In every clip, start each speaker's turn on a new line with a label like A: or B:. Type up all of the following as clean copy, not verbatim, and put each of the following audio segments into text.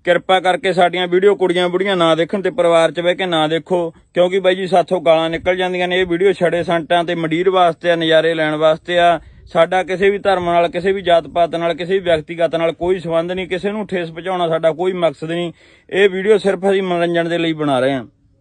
A: ਕਿਰਪਾ ਕਰਕੇ ਸਾਡੀਆਂ ਵੀਡੀਓ ਕੁੜੀਆਂ ਬੁੜੀਆਂ ਨਾ ਦੇਖਣ ਤੇ ਪਰਿਵਾਰ 'ਚ ਬਹਿ ਕੇ ਨਾ ਦੇਖੋ, ਕਿਉਂਕਿ ਬਾਈ ਜੀ ਸਾਥੋਂ ਗਾਲਾਂ ਨਿਕਲ ਜਾਂਦੀਆਂ ਨੇ। ਇਹ ਵੀਡੀਓ ਛੜੇ ਸੰਟਾਂ ਤੇ ਮੰਡੀਰ ਵਾਸਤੇ ਆ, ਨਜ਼ਾਰੇ ਲੈਣ ਵਾਸਤੇ ਆ। ਸਾਡਾ ਕਿਸੇ ਵੀ ਧਰਮ ਨਾਲ, ਕਿਸੇ ਵੀ ਜਾਤ ਪਾਤ ਨਾਲ, ਕਿਸੇ ਵੀ ਵਿਅਕਤੀਗਤ ਨਾਲ ਕੋਈ ਸੰਬੰਧ ਨਹੀਂ। ਕਿਸੇ ਨੂੰ ਠੇਸ ਪਹੁੰਚਾਉਣਾ ਸਾਡਾ ਕੋਈ ਮਕਸਦ ਨਹੀਂ। ਇਹ ਵੀਡੀਓ ਸਿਰਫ ਅਸੀਂ ਮਨੋਰੰਜਨ ਦੇ ਲਈ ਬਣਾ ਰਹੇ ਹਾਂ।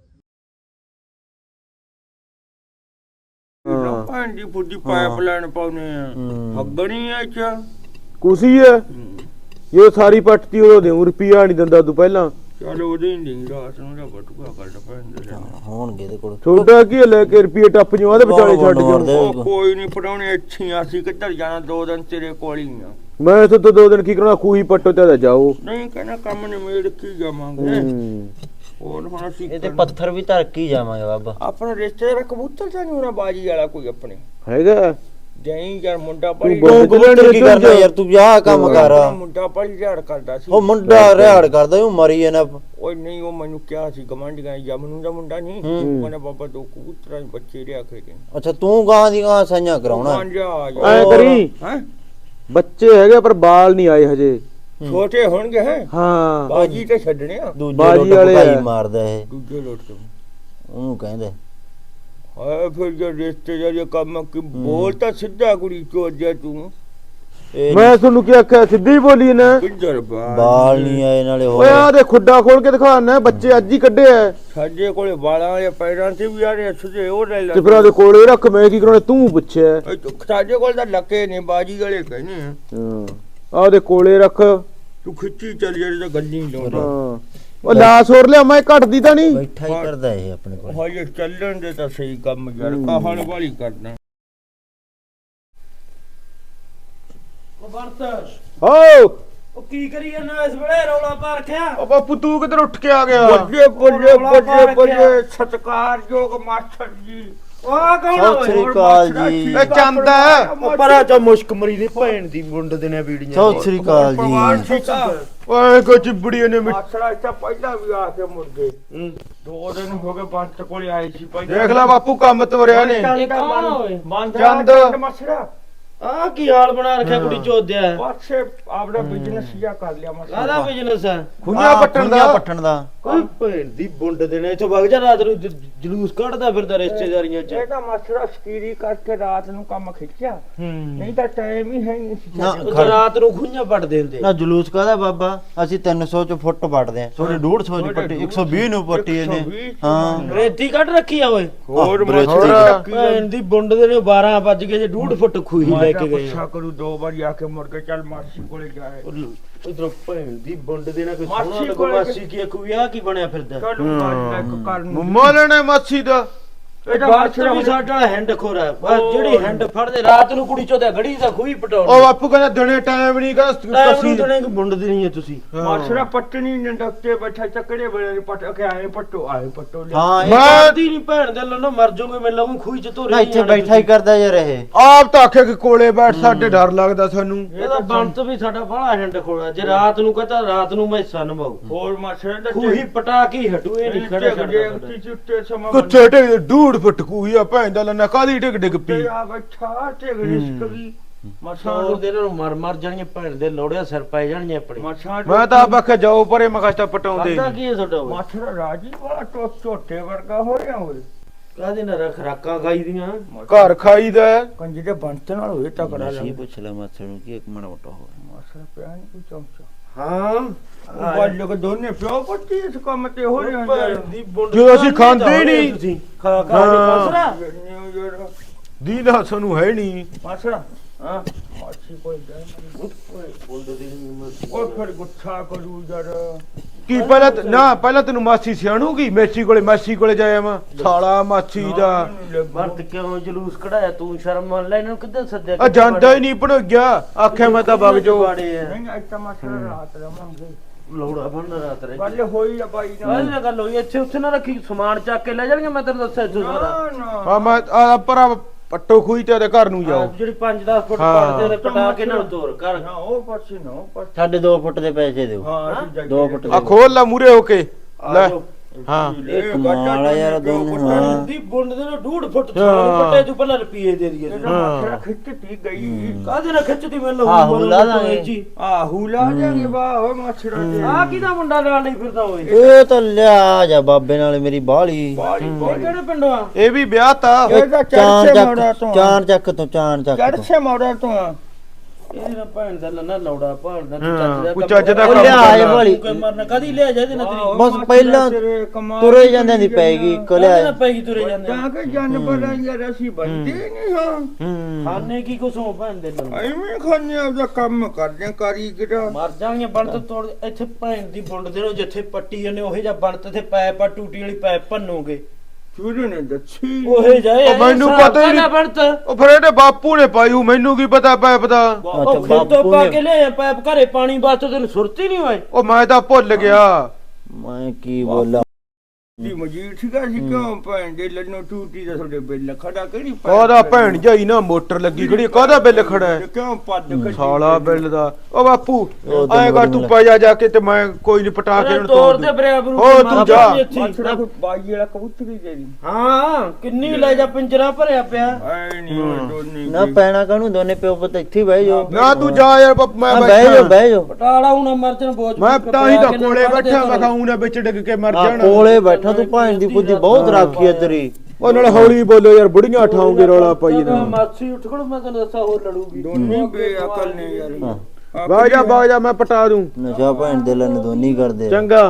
A: ਭਾਂਡੀ ਫੁੱਡੀ ਪਾਈਪਲਾਈਨ ਪਾਉਨੇ ਆ, ਹੱਗਣੀ ਆ ਚ
B: ਕੁਸੀ ਹੈ ਜੋ ਸਾਰੀ ਪੱਟਤੀ ਉਹ ਦੇਉ ਰੁਪਿਆ ਨਹੀਂ ਦਿੰਦਾ ਤੂੰ ਪਹਿਲਾਂ।
A: ਚਲ ਉਹਦੇ ਨਹੀਂ ਰਾਤ ਨੂੰ ਦਾ ਬਟੂਆ ਕੱਢ ਪੈਂਦੇ
C: ਹੋਣਗੇ ਇਹਦੇ ਕੋਲ।
B: ਛੋਟਾ ਕੀ ਲੈ ਕੇ ਰੁਪਏ ਟੱਪ ਜੂ ਆਦੇ ਵਿਚਾਲੇ ਛੱਡ
A: ਜਾਓ। ਕੋਈ ਨਹੀਂ ਪੜਾਉਣੇ ਅੱਛੀਆਂ ਸੀ, ਕਿੱਧਰ ਜਾਣਾ 2 ਦਿਨ ਤੇਰੇ ਕੋਲ ਹੀ ਆ।
B: ਮੈਂ ਇੱਥੇ ਤੋਂ 2 ਦਿਨ ਕੀ ਕਰਨਾ, ਖੂਹੀ ਪੱਟੋ ਤੇ ਜਾਓ।
A: ਨਹੀਂ ਕਹਿੰਦਾ ਕੰਮ ਨਿਮੇੜ ਕੀ ਜਾਵਾਂਗੇ। ਹੋਰ ਹੁਣ ਅਸੀਂ
C: ਇਹ ਤੇ ਪੱਥਰ ਵੀ ਧਰ ਕੇ ਜਾਵਾਂਗੇ ਬਾਬਾ।
A: ਆਪਣਾ ਰਿਸ਼ਤੇਦਾਰ ਕਬੂਤਰ ਤਾਂ ਨਹੀਂ ਹੋਣਾ ਬਾਜੀ ਵਾਲਾ ਕੋਈ ਆਪਣੇ
B: ਹੈਗਾ
A: ਜੈਂ ਯਾਰ ਮੁੰਡਾ ਪੜੀ
C: ਕੀ ਕਰਨਾ ਯਾਰ, ਤੂੰ ਆਹ ਕੰਮ ਕਰ।
A: ਮੁੰਡਾ ਪੜੀ ਝਾੜ ਕਰਦਾ ਸੀ।
C: ਉਹ ਮੁੰਡਾ ਰਿਹਾੜ ਕਰਦਾ, ਉਹ ਮਰੀ ਜਾਣਾ।
A: ਓਏ ਨਹੀਂ, ਉਹ ਮੈਨੂੰ ਕਿਹਾ ਸੀ ਗਵਾਂਢੀਆਂ ਜਮਨੂ ਦਾ ਮੁੰਡਾ ਨਹੀਂ, ਕਹਿੰਦਾ ਬਾਬਾ 2 ਕਬੂਤਰਾਂ ਦੇ ਬੱਚੇ ਰਿਆ ਕੇ ਦੇ।
C: ਅੱਛਾ ਤੂੰ ਗਾਂ ਦੀ ਗਾਂ ਸਾਈਆਂ ਕਰਾਉਣਾ
B: ਐ ਕਰੀ। ਬੱਚੇ ਹੈਗੇ ਪਰ ਬਾਲ ਨਹੀਂ ਆਏ ਹਜੇ,
A: ਛੋਟੇ ਹੋਣਗੇ। ਹੈ
B: ਹਾਂ
A: ਬਾਜੀ ਤੇ ਛੱਡਣੇ ਆ।
C: ਬਾਜੀ ਵਾਲੇ ਮਾਰਦਾ ਇਹ,
A: ਦੂਜੇ ਲੋਟ ਤੋਂ
C: ਉਹਨੂੰ ਕਹਿੰਦੇ।
A: ਹਾਂ ਫਿਰ ਜੇ ਰਿਸ਼ਤੇਦਾਰ ਕੰਮ ਕਿ ਬੋਲ ਤਾਂ ਸਿੱਧਾ ਕੁੜੀ ਚੋਜਿਆ ਤੂੰ।
B: ਮੈਂ ਤੁਹਾਨੂੰ ਕੀ ਆਖਿਆ, ਸਿੱਧੀ ਬੋਲੀ ਨਾ।
A: ਕਿੱਧਰ
C: ਬਾਲ ਨਹੀਂ ਆਏ ਨਾਲੇ।
B: ਓਏ ਆ ਦੇ ਖੁੱਡਾ ਖੋਲ ਕੇ ਦਿਖਾਣਾ, ਬੱਚੇ ਅੱਜ ਹੀ ਕੱਢੇ ਆ।
A: ਸਾਡੇ ਕੋਲੇ ਵਾਲਾਂ ਜਾਂ ਪੈਰਾਂ ਤੇ ਵੀ ਆ ਰਹੇ ਸੁਝੇ ਉਹ ਲੈ ਲੈ।
B: ਤੇ ਫਿਰ ਉਹਦੇ ਕੋਲੇ ਰੱਖ, ਮੈਂ ਕੀ ਕਰਾਉਣਾ, ਤੂੰ ਪੁੱਛਿਆ।
A: ਸਾਡੇ ਕੋਲ ਤਾਂ ਲੱਕੇ ਨੇ ਬਾਜੀ ਵਾਲੇ ਕਹਿੰਦੇ ਆ।
B: ਹਾਂ ਆ ਉਹਦੇ ਕੋਲੇ ਰੱਖ,
A: ਤੂੰ ਖਿੱਚੀ ਚੱਲ ਜਿਹੜੀ ਤਾਂ ਗੱਲ ਨਹੀਂ ਲਾਉਂਦਾ।
B: ਹਾਂ ਉਹ ਲਾਸ ਹੋਰ ਲਿਆ, ਮੈਂ ਘਟਦੀ ਤਾਂ ਨਹੀਂ।
C: ਬੈਠਾ ਹੀ ਕਰਦਾ ਇਹ ਆਪਣੇ ਕੋਲ।
A: ਹਾਂ ਇਹ ਚੱਲਣ ਦੇ ਤਾਂ ਸਹੀ ਕੰਮ ਯਾਰ, ਕਹਾਣ ਵਾਲੀ ਕਰਨਾ। ਉਹ ਵਰਤ
B: ਹੋ
D: ਉਹ ਕੀ ਕਰੀ ਜਾਂਦਾ ਇਸ ਵੇਲੇ, ਰੌਲਾ ਪਾ ਰੱਖਿਆ।
B: ਉਹ ਬਾਪੂ ਤੂੰ ਕਿੱਧਰ ਉੱਠ ਕੇ ਆ ਗਿਆ?
A: ਬੱਲੇ ਬੱਲੇ ਬੱਲੇ ਬੱਲੇ ਸਤਿਕਾਰਯੋਗ ਮਾਸਟਰ ਜੀ।
D: ਉਹ ਕੌਣ
C: ਸਤਿ ਸ੍ਰੀ ਅਕਾਲ ਜੀ।
B: ਇਹ ਚੰਦ ਹੈ।
D: ਪਰਾ ਚਾ ਮੁਸ਼ਕ ਮਰੀ ਦੀ ਭੈਣ ਦੀ ਮੁੰਡ ਦੇ ਨੇ ਵੀੜੀਆਂ।
C: ਸਤਿ ਸ੍ਰੀ ਅਕਾਲ ਜੀ।
B: ਓਏ ਕੋ ਚਿਬੜੀ ਨੇ
A: ਮਾਸਟਰ ਇੱਥੇ ਪਹਿਲਾਂ ਵੀ ਆ ਕੇ ਮੁੜ ਗਏ। 2 ਦਿਨ ਹੋ ਗਏ ਬੰਤ ਕੋਲੇ ਆਏ ਸੀ ਪਹਿਲਾਂ।
B: ਦੇਖ ਲੈ ਬਾਪੂ ਕੰਮ ਤੋਰਿਆ ਨੇ।
D: ਇਹ ਕੌਣ ਓਏ?
A: ਚੰਦ ਮਾਸਟਰ
D: ਆ ਕੀ ਹਾਲ ਬਣਾ ਰੱਖਿਆ ਕੁੜੀ ਚੋਦਿਆ।
A: ਪਾਸੇ ਆਪਣਾ ਬਿਜ਼ਨਸ ਜਿਆ ਕਰ ਲਿਆ ਮਾਸਟਰ।
D: ਕਾਹਦਾ ਬਿਜ਼ਨਸ ਹੈ?
B: ਖੁੰਝਾ ਪੱਟਣ ਦਾ।
D: ਕੋਈ ਭੈਣ ਦੀ ਮੁੰਡ ਦੇ ਨੇ ਇੱਥੋਂ ਵਗ ਜਾ, ਰਾਤ ਨੂੰ ਜਲੂਸ ਕੱਢਦਾ ਫਿਰਦਾ ਰਿਸ਼ਤੇਦਾਰੀਆਂ ਚ।
A: ਇਹ ਤਾਂ ਮਾਸਟਰ ਸਕੀਰੀ ਕਰਕੇ ਰਾਤ ਨੂੰ ਕੰਮ ਖਿੱਚਿਆ, ਨਹੀਂ ਤਾਂ ਟਾਈਮ ਹੀ ਹੈ ਨਹੀਂ ਸੀ।
C: ਨਾ
D: ਉਹ ਰਾਤ ਨੂੰ ਖੁੰਝਾ ਪੱਟ ਦਿੰਦੇ।
C: ਨਾ ਜਲੂਸ ਕਾਹਦਾ ਬਾਬਾ, ਅਸੀਂ 300 ਚ ਫੁੱਟ ਪੱਟਦੇ ਆ, ਥੋੜੇ 150 ਚ ਪੱਟੀ, 120 ਨੂੰ ਪੱਟੀ ਇਹਨੇ। ਹਾਂ
D: ਰੇਤੀ ਕੱਢ ਰੱਖੀ ਆ ਓਏ।
A: ਹੋਰ
D: ਭੈਣ ਦੀ ਮੁੰਡ ਦੇ ਨੇ 12 ਵੱਜ ਗਏ ਜੇ 1.5 ਫੁੱਟ ਖੂਹੀ ਲੈ ਕੇ ਗਏ।
A: ਅੱਛਾ ਕਰੂ 2 ਵਾਰੀ ਆ ਕੇ ਮੁੜ ਕੇ ਚੱਲ ਮਾਸੀ ਕੋਲੇ ਜਾਏ।
D: ਇਧਰੋਂ ਭੈਣ ਦੀ ਮੁੰਡ ਦੇ ਨਾ ਕੋਈ
A: ਮਾਸੀ
D: ਸੋਹਣਾ
A: ਕੋਲੇ
D: ਮਾਸੀ ਕੀ ਕੋਈ ਆ ਕੀ ਬਣਿਆ ਫਿਰਦਾ।
B: ਮੋਲਣੇ ਮਾਸੀ ਦਾ
D: ਇਹਦਾ ਮਾਸਟਰ ਵੀ ਸਾਡਾ ਹੈਂਡ ਖੋਰਾ ਬਸ, ਜਿਹੜੀ ਹੈਂਡ ਫੜਦੇ ਰਾਤ ਨੂੰ ਕੁੜੀ ਚੋਦਾ ਘੜੀ ਦਾ ਖੂਹੀ ਪਟਾਉਣ।
B: ਉਹ ਬਾਪੂ ਕਹਿੰਦਾ ਦਿਨੇ ਟਾਈਮ ਨਹੀਂ ਕਹਿੰਦਾ
D: ਕਸੀ ਦਣੇ ਕਿ ਮੁੰਡ ਦੀ ਨਹੀਂ ਹੈ ਤੁਸੀਂ।
A: ਮਾਸਰਾ ਪੱਟਣੀ ਨੰਦਕਤੇ ਬੈਠਾ ਚੱਕੜੇ ਬੜੇ ਪਟ ਕੇ ਆਏ ਪੱਟੋ ਆਏ ਪੱਟੋ
C: ਹਾਂ ਇਹ
D: ਮਾਰਦੀ ਨਹੀਂ ਭੈਣ ਦੇ ਲੰਨੋ ਮਰ ਜਾਓਗੇ ਮੈਂ ਲਾਉਂ ਖੂਹੀ ਚ ਧੋਰੀ।
C: ਨਾ ਇੱਥੇ ਬੈਠਾ ਹੀ ਕਰਦਾ ਯਾਰ ਇਹ।
B: ਆਪ ਤਾਂ ਆਖੇ ਕਿ ਕੋਲੇ ਬੈਠ, ਸਾਡੇ ਡਰ ਲੱਗਦਾ ਸਾਨੂੰ।
D: ਇਹਦਾ ਬੰਤ ਵੀ ਸਾਡਾ ਬਾਹਲਾ ਹੈਂਡ ਖੋਰਾ, ਜੇ ਰਾਤ ਨੂੰ ਕਹਤਾ ਰਾਤ ਨੂੰ ਮੈਂ ਸਨਮਾਉ
A: ਹੋਰ ਮਾਸਰਾ ਦਾ
D: ਖੂਹੀ ਪਟਾ ਕੇ ਹਟੂ ਇਹ ਨਹੀਂ ਖੜਾ ਛੱਡਦਾ।
A: ਚੁੱਟੇ ਸਮਾਂ
B: ਕੁੱਤੇ ਢਿੱਗ 1.5 ਫੁੱਟ ਕੂਈ ਆ ਭੈਣ ਦਾ ਲੰਨਾ, ਕਾਦੀ ਢਿੱਗ ਡਿੱਗ ਪਈ।
A: ਆ ਬੱਚਾ ਤੇ ਰਿਸਕ ਵੀ
D: ਮਸਾਂ ਦੇ ਨੂੰ ਮਰ ਜਾਣਗੇ ਭੈਣ ਦੇ ਲੋੜਿਆ ਸਿਰ ਪੈ ਜਾਣਗੇ ਆਪਣੇ।
B: ਮੈਂ ਤਾਂ ਆਪ ਆਖਿਆ ਜਾਓ ਪਰੇ, ਮੈਂ ਕਸ਼ਤਾ ਪਟਾਉਂਦੇ।
D: ਕਰਦਾ ਕੀ ਹੈ ਤੁਹਾਡਾ ਓਏ?
A: ਮਾਸਰਾ ਰਾਜੀ ਵਾਲਾ ਝੋਟੇ ਵਰਗਾ ਹੋ ਰਿਹਾ ਹੋਵੇ।
D: ਕਾਹਦੇ ਨਾਲ ਖਰਾਕਾਂ ਖਾਈ ਦੀਆਂ
B: ਘਰ ਖਾਈਦਾ
A: ਕੰਜੀ ਦੇ ਬੰਤ ਨਾਲ ਹੋਏ ਤਕੜਾ
C: ਸੀ
A: ਲੱਗ।
C: ਪੁੱਛ ਲੈ ਮਾਸੜ ਨੂੰ ਕਿ ਇੱਕ ਮਾੜਾ ਮੋਟਾ ਹੋ।
A: ਮਾਸਰਾ ਪਿਆ ਨਹੀਂ ਕੋਈ ਚੌਂਚਾ।
D: ਹਾਂ
A: ਬਾਲ ਕੇ ਦੋਨੇ ਪਿਓ ਪੱਟੀ ਇਸ ਕੰਮ ਤੇ ਹੋ ਰਿਹਾ
D: ਭੈਣ ਦੀ ਬੁੰਡ
B: ਜਦੋਂ ਅਸੀਂ ਖਾਂਦੇ ਹੀ ਨਹੀਂ।
D: ਤੁਸੀਂ ਖਾ ਖਾ ਕੇ ਕਸਰਾ
B: ਦੀਦਾ ਸਾਨੂੰ ਹੈ ਨਹੀਂ।
A: ਮਾਸਰਾ ਹਾਂ ਮਾਸੀ ਕੋਈ ਗਏ ਉਹ ਫਿਰ ਗੁੱਸਾ ਕਰੂ ਯਾਰ।
B: ਕੀ ਪਹਿਲਾਂ ਤੈਨੂੰ ਮਾਸੀ ਸਿਆਣੂਗੀ, ਮੇਸੀ ਕੋਲੇ ਜਾਇਆ ਮੈਂ ਸਾਲਾ ਮਾਸੀ ਦਾ।
D: ਵਰਤ ਕਿਉਂ ਜਲੂਸ ਕਢਾਇਆ ਤੂੰ, ਸ਼ਰਮ ਮੰਨ ਲੈ ਇਹਨੂੰ ਕਿੱਦਾਂ ਸੱਦਿਆ।
B: ਆ ਜਾਂਦਾ ਹੀ ਨਹੀਂ ਭਣ ਗਿਆ, ਆਖਿਆ ਮੈਂ ਤਾਂ ਵਗ ਜਾਓ।
A: ਨਹੀਂ ਅੱਜ ਤਾਂ ਮਾਸਰਾ ਰਾਤ ਰਵਾਂਗੇ।
D: ਲੋੜਾ ਬੰਨ ਰਾਤ ਰੇ
A: ਗੱਲ ਹੋਈ ਆ ਬਾਈ ਨਾਲ।
D: ਇਹ ਗੱਲ ਹੋਈ ਇੱਥੇ ਉੱਥੇ ਨਾ ਰੱਖੀ, ਸਮਾਨ ਚੱਕ ਕੇ ਲੈ ਜਾਣਗੇ। ਮੈਂ ਤੈਨੂੰ ਦੱਸਿਆ ਇੱਥੋਂ ਸਾਰਾ।
A: ਨਾ
B: ਆ ਮੈਂ ਆ ਪਰਾ ਪੱਟੋ ਖੂਈ ਤੇ ਉਹਦੇ ਘਰ ਨੂੰ ਜਾਓ।
D: ਜਿਹੜੀ 5-10 ਫੁੱਟ ਪੜਦੇ ਨੇ ਪਟਾ ਕੇ ਨਾਲ ਤੋਰ ਕਰ।
A: ਨਾ ਉਹ ਪਾਸੇ ਨਾ ਉਹ ਪਾਸੇ।
C: ਸਾਡੇ 2 ਫੁੱਟ ਦੇ ਪੈਸੇ ਦਿਓ।
A: ਹਾਂ ਅਸੀਂ
C: 2 ਫੁੱਟ
B: ਆ
C: ਦੇ।
B: ਖੋਲ ਲਾ ਮੂਰੇ ਹੋ ਕੇ ਲੈ। ਹਾਂ
C: ਇਹ ਕਮਾਲ ਆ ਯਾਰ ਦੋਨੋਂ ਹਾਂ
D: ਦੀ ਬੁੰਡ ਦੇ ਨਾਲ 2.5 ਫੁੱਟ ਥਾਂ ਪੱਟੇ ਤੂੰ ਪਹਿਲਾਂ ਰੁਪਏ ਦੇ ਦਈਏ
B: ਹਾਂ
A: ਖਿੱਚਤੀ ਗਈ
D: ਕਾਹਦੇ ਨਾਲ ਖਿੱਚਦੀ ਮੈਨੂੰ
C: ਆਹੋ ਲਾ ਦਾਂਗੇ
A: ਆਹੂ ਲਾ ਜਾਗੇ ਵਾਹ ਮੱਛਰਾਂ ਦੇ
D: ਆ ਕਿਹਦਾ ਮੁੰਡਾ ਨਾਲ ਨਹੀਂ ਫਿਰਦਾ ਓਏ
C: ਇਹ ਤਾਂ ਲਿਆ ਜਾ ਬਾਬੇ ਨਾਲ ਮੇਰੀ ਬਾਹਲੀ
D: ਇਹ ਕਿਹੜੇ ਪਿੰਡੋਂ ਆ
B: ਇਹ ਵੀ ਵਿਆਹ ਤਾ
A: ਇਹ ਤਾਂ ਚਰਚੇ ਮੋੜਾ ਤੋਂ
C: ਚਾਰ ਚੱਕ ਤੋਂ
A: ਚਰਚੇ ਮੋੜਾ ਤੋਂ
D: ਇਹ ਨਾ ਭੈਣ ਦਾ ਨਾ ਲੌੜਾ ਭਾਲਦਾ
B: ਹਾਂ, ਕੋਈ ਚੱਜ ਦਾ
C: ਉਹ
B: ਕੰਮ
C: ਲਿਆ
B: ਕਰਨਾ।
C: ਇਹ ਵਾਲੀ
D: ਕੋਈ ਮਰਨਾ ਕਦੀ ਲਿਆ ਜਾਂਦੇ ਨਾ ਤੇਰੀ
C: ਬਸ ਪਹਿਲਾਂ ਤੁਰੇ ਜਾਂਦਿਆਂ ਦੀ ਪੈਗੀ ਇੱਕ
D: ਕਦੇ ਨਾ
C: ਲਿਆ
D: ਪੈਗੀ ਤੁਰੇ ਜਾਂਦੇ
A: ਤਾਂ ਕਿ ਜਾਨਵਰ ਯਾਰ ਅਸੀਂ ਬੰਦੇ ਨਹੀਂ ਹਾਂ
D: ਖਾਣੇ ਕੀ ਕੁਛ ਹੋ ਭੈਣ ਦੇ ਨਾਲ
A: ਐਵੇਂ ਖਾਣੇ ਆਪਦਾ ਕੰਮ ਕਰਦੇ ਕਾਰੀਗਰ
D: ਮਰ ਜਾਣਗੇ ਬਣਤ ਤੋੜ ਇੱਥੇ ਭੈਣ ਦੀ ਬੁੰਡ ਦੇ ਨੂੰ ਜਿੱਥੇ ਪੱਟੀ ਜਾਂਦੇ ਉਹੇ ਜਾਂ ਬਣਤ ਤੇ ਪੈਪ ਆ ਟੂਟੀ ਵਾਲੀ ਪੈਪ ਭੰਨੋਗੇ
A: ਚੂਰੇ ਨੇ ਦੱਸੀ
D: ਉਹੇ ਜਾਏ
B: ਉਹ ਮੈਨੂੰ ਪਤਾ ਹੀ ਨਹੀਂ।
D: ਬਣਤ
B: ਉਹ ਫਿਰ ਇਹਦੇ ਬਾਪੂ ਨੇ ਪਾਈ ਮੈਨੂੰ ਕੀ ਪਤਾ ਪੈਪ ਦਾ
D: ਉਹ ਖੇਤੋਂ
C: ਬਾਪੂ
D: ਪਾ
C: ਨੇ-
D: ਕੇ ਲਿਆ ਪੈਪ ਘਰੇ ਪਾਣੀ ਵਾਸਤੇ ਤੈਨੂੰ ਸੁਰਤੀ ਨਹੀਂ ਹੋਏ
B: ਉਹ ਮੈਂ ਤਾਂ ਭੁੱਲ ਗਿਆ
C: ਮੈਂ ਕੀ ਬੋਲਾਂ
A: ਦੀ ਮਜੀਦ ਸੀਗਾ ਸੀ ਕਿਉਂ ਭੈਣ ਦੇ ਲੱਨੋ ਟੂਟੀ ਦਾ ਤੁਹਾਡੇ ਬਿੱਲ ਖੜਾ ਕਿਹੜੀ
B: ਕਾਹਦਾ ਭੈਣ ਜਾਈ ਨਾ ਮੋਟਰ ਲੱਗੀ ਖੜੀ ਕਾਹਦਾ ਬਿੱਲ ਖੜਾ ਹੈ
A: ਕਿਉਂ ਪੱਦ ਖੜੀ
B: ਸਾਲਾ ਬਿੱਲ ਦਾ ਉਹ ਬਾਪੂ
C: ਉਹ ਤਾਂ
B: ਐਂ ਕਰ ਤੂੰ ਪਾ ਜਾ ਕੇ ਤੇ ਮੈਂ ਕੋਈ ਨਹੀਂ ਪਟਾ ਕੇ ਇਹਨੂੰ
D: ਤੋੜ
B: ਤੋੜ
D: ਦੇ
B: ਦੂੰ
D: ਬਰਾਬਰ
B: ਉਹ ਤੂੰ ਜਾ।
A: ਮੱਛੜਾ ਕੋਈ ਬਾਈ ਵਾਲਾ ਕਬੂਤਰੀ ਦੇ ਦੀ
D: ਹਾਂ ਕਿੰਨੀ ਲੈ ਜਾ ਪਿੰਜਰਾ ਭਰਿਆ ਪਿਆ
A: ਐ ਨਹੀਂ ਦੋਨੀ
C: ਨਾ ਪੈਣਾ ਕਾਹਨੂੰ ਦੋਨੇ ਪਿਓ ਪੁੱਤ ਇੱਥੇ ਹੀ ਬਹਿ ਜਾਓ
B: ਨਾ ਤੂੰ ਜਾ ਯਾਰ ਮੈਂ
C: ਹਾਂ, ਬਹਿ ਜਾਓ
B: ਬੈਠਾ
C: ਬਹਿ ਜਾਓ
D: ਪਟਾਲਾ ਹੁਣ ਮਰਜਨ ਬੋਝ
B: ਮੈਂ ਤਾਂ ਹੀ ਤਾਂ ਕੋਲੇ ਬੈਠਾ ਮੈਂ ਖਾਉਂ ਨਾ ਵਿੱਚ ਡਿੱਗ ਕੇ ਮਰ
C: ਆ
B: ਜਾਣਾ
C: ਕੋਲੇ ਬੈਠਾ ਤੂੰ ਭਾਣ ਦੀ ਬੁੱਧੀ ਬਹੁਤ ਰਾਖੀ ਹੈ ਤੇਰੀ
B: ਉਹ ਨਾਲ ਹੌਲੀ ਬੋਲੋ ਯਾਰ ਬੁੜੀਆਂ ਠਾਉਂਗੇ ਰੌਲਾ ਪਾਈ ਨਾ
D: ਮਾਸੀ ਉੱਠ ਖੜ ਮੈਂ ਤੈਨੂੰ ਦੱਸਾਂ ਹੋਰ ਲੜੂਗੀ
A: ਦੋਨੀ ਬੇਅਕਲ ਨੇ ਯਾਰ
C: ਹਾਂ
B: ਬਾਗ ਜਾ ਮੈਂ ਪਟਾ ਦੂੰ
C: ਨਸ਼ਾ ਭਾਣ ਦੇ ਲੈਣ ਦੋਨੀ ਕਰਦੇ ਆ।
B: ਚੰਗਾ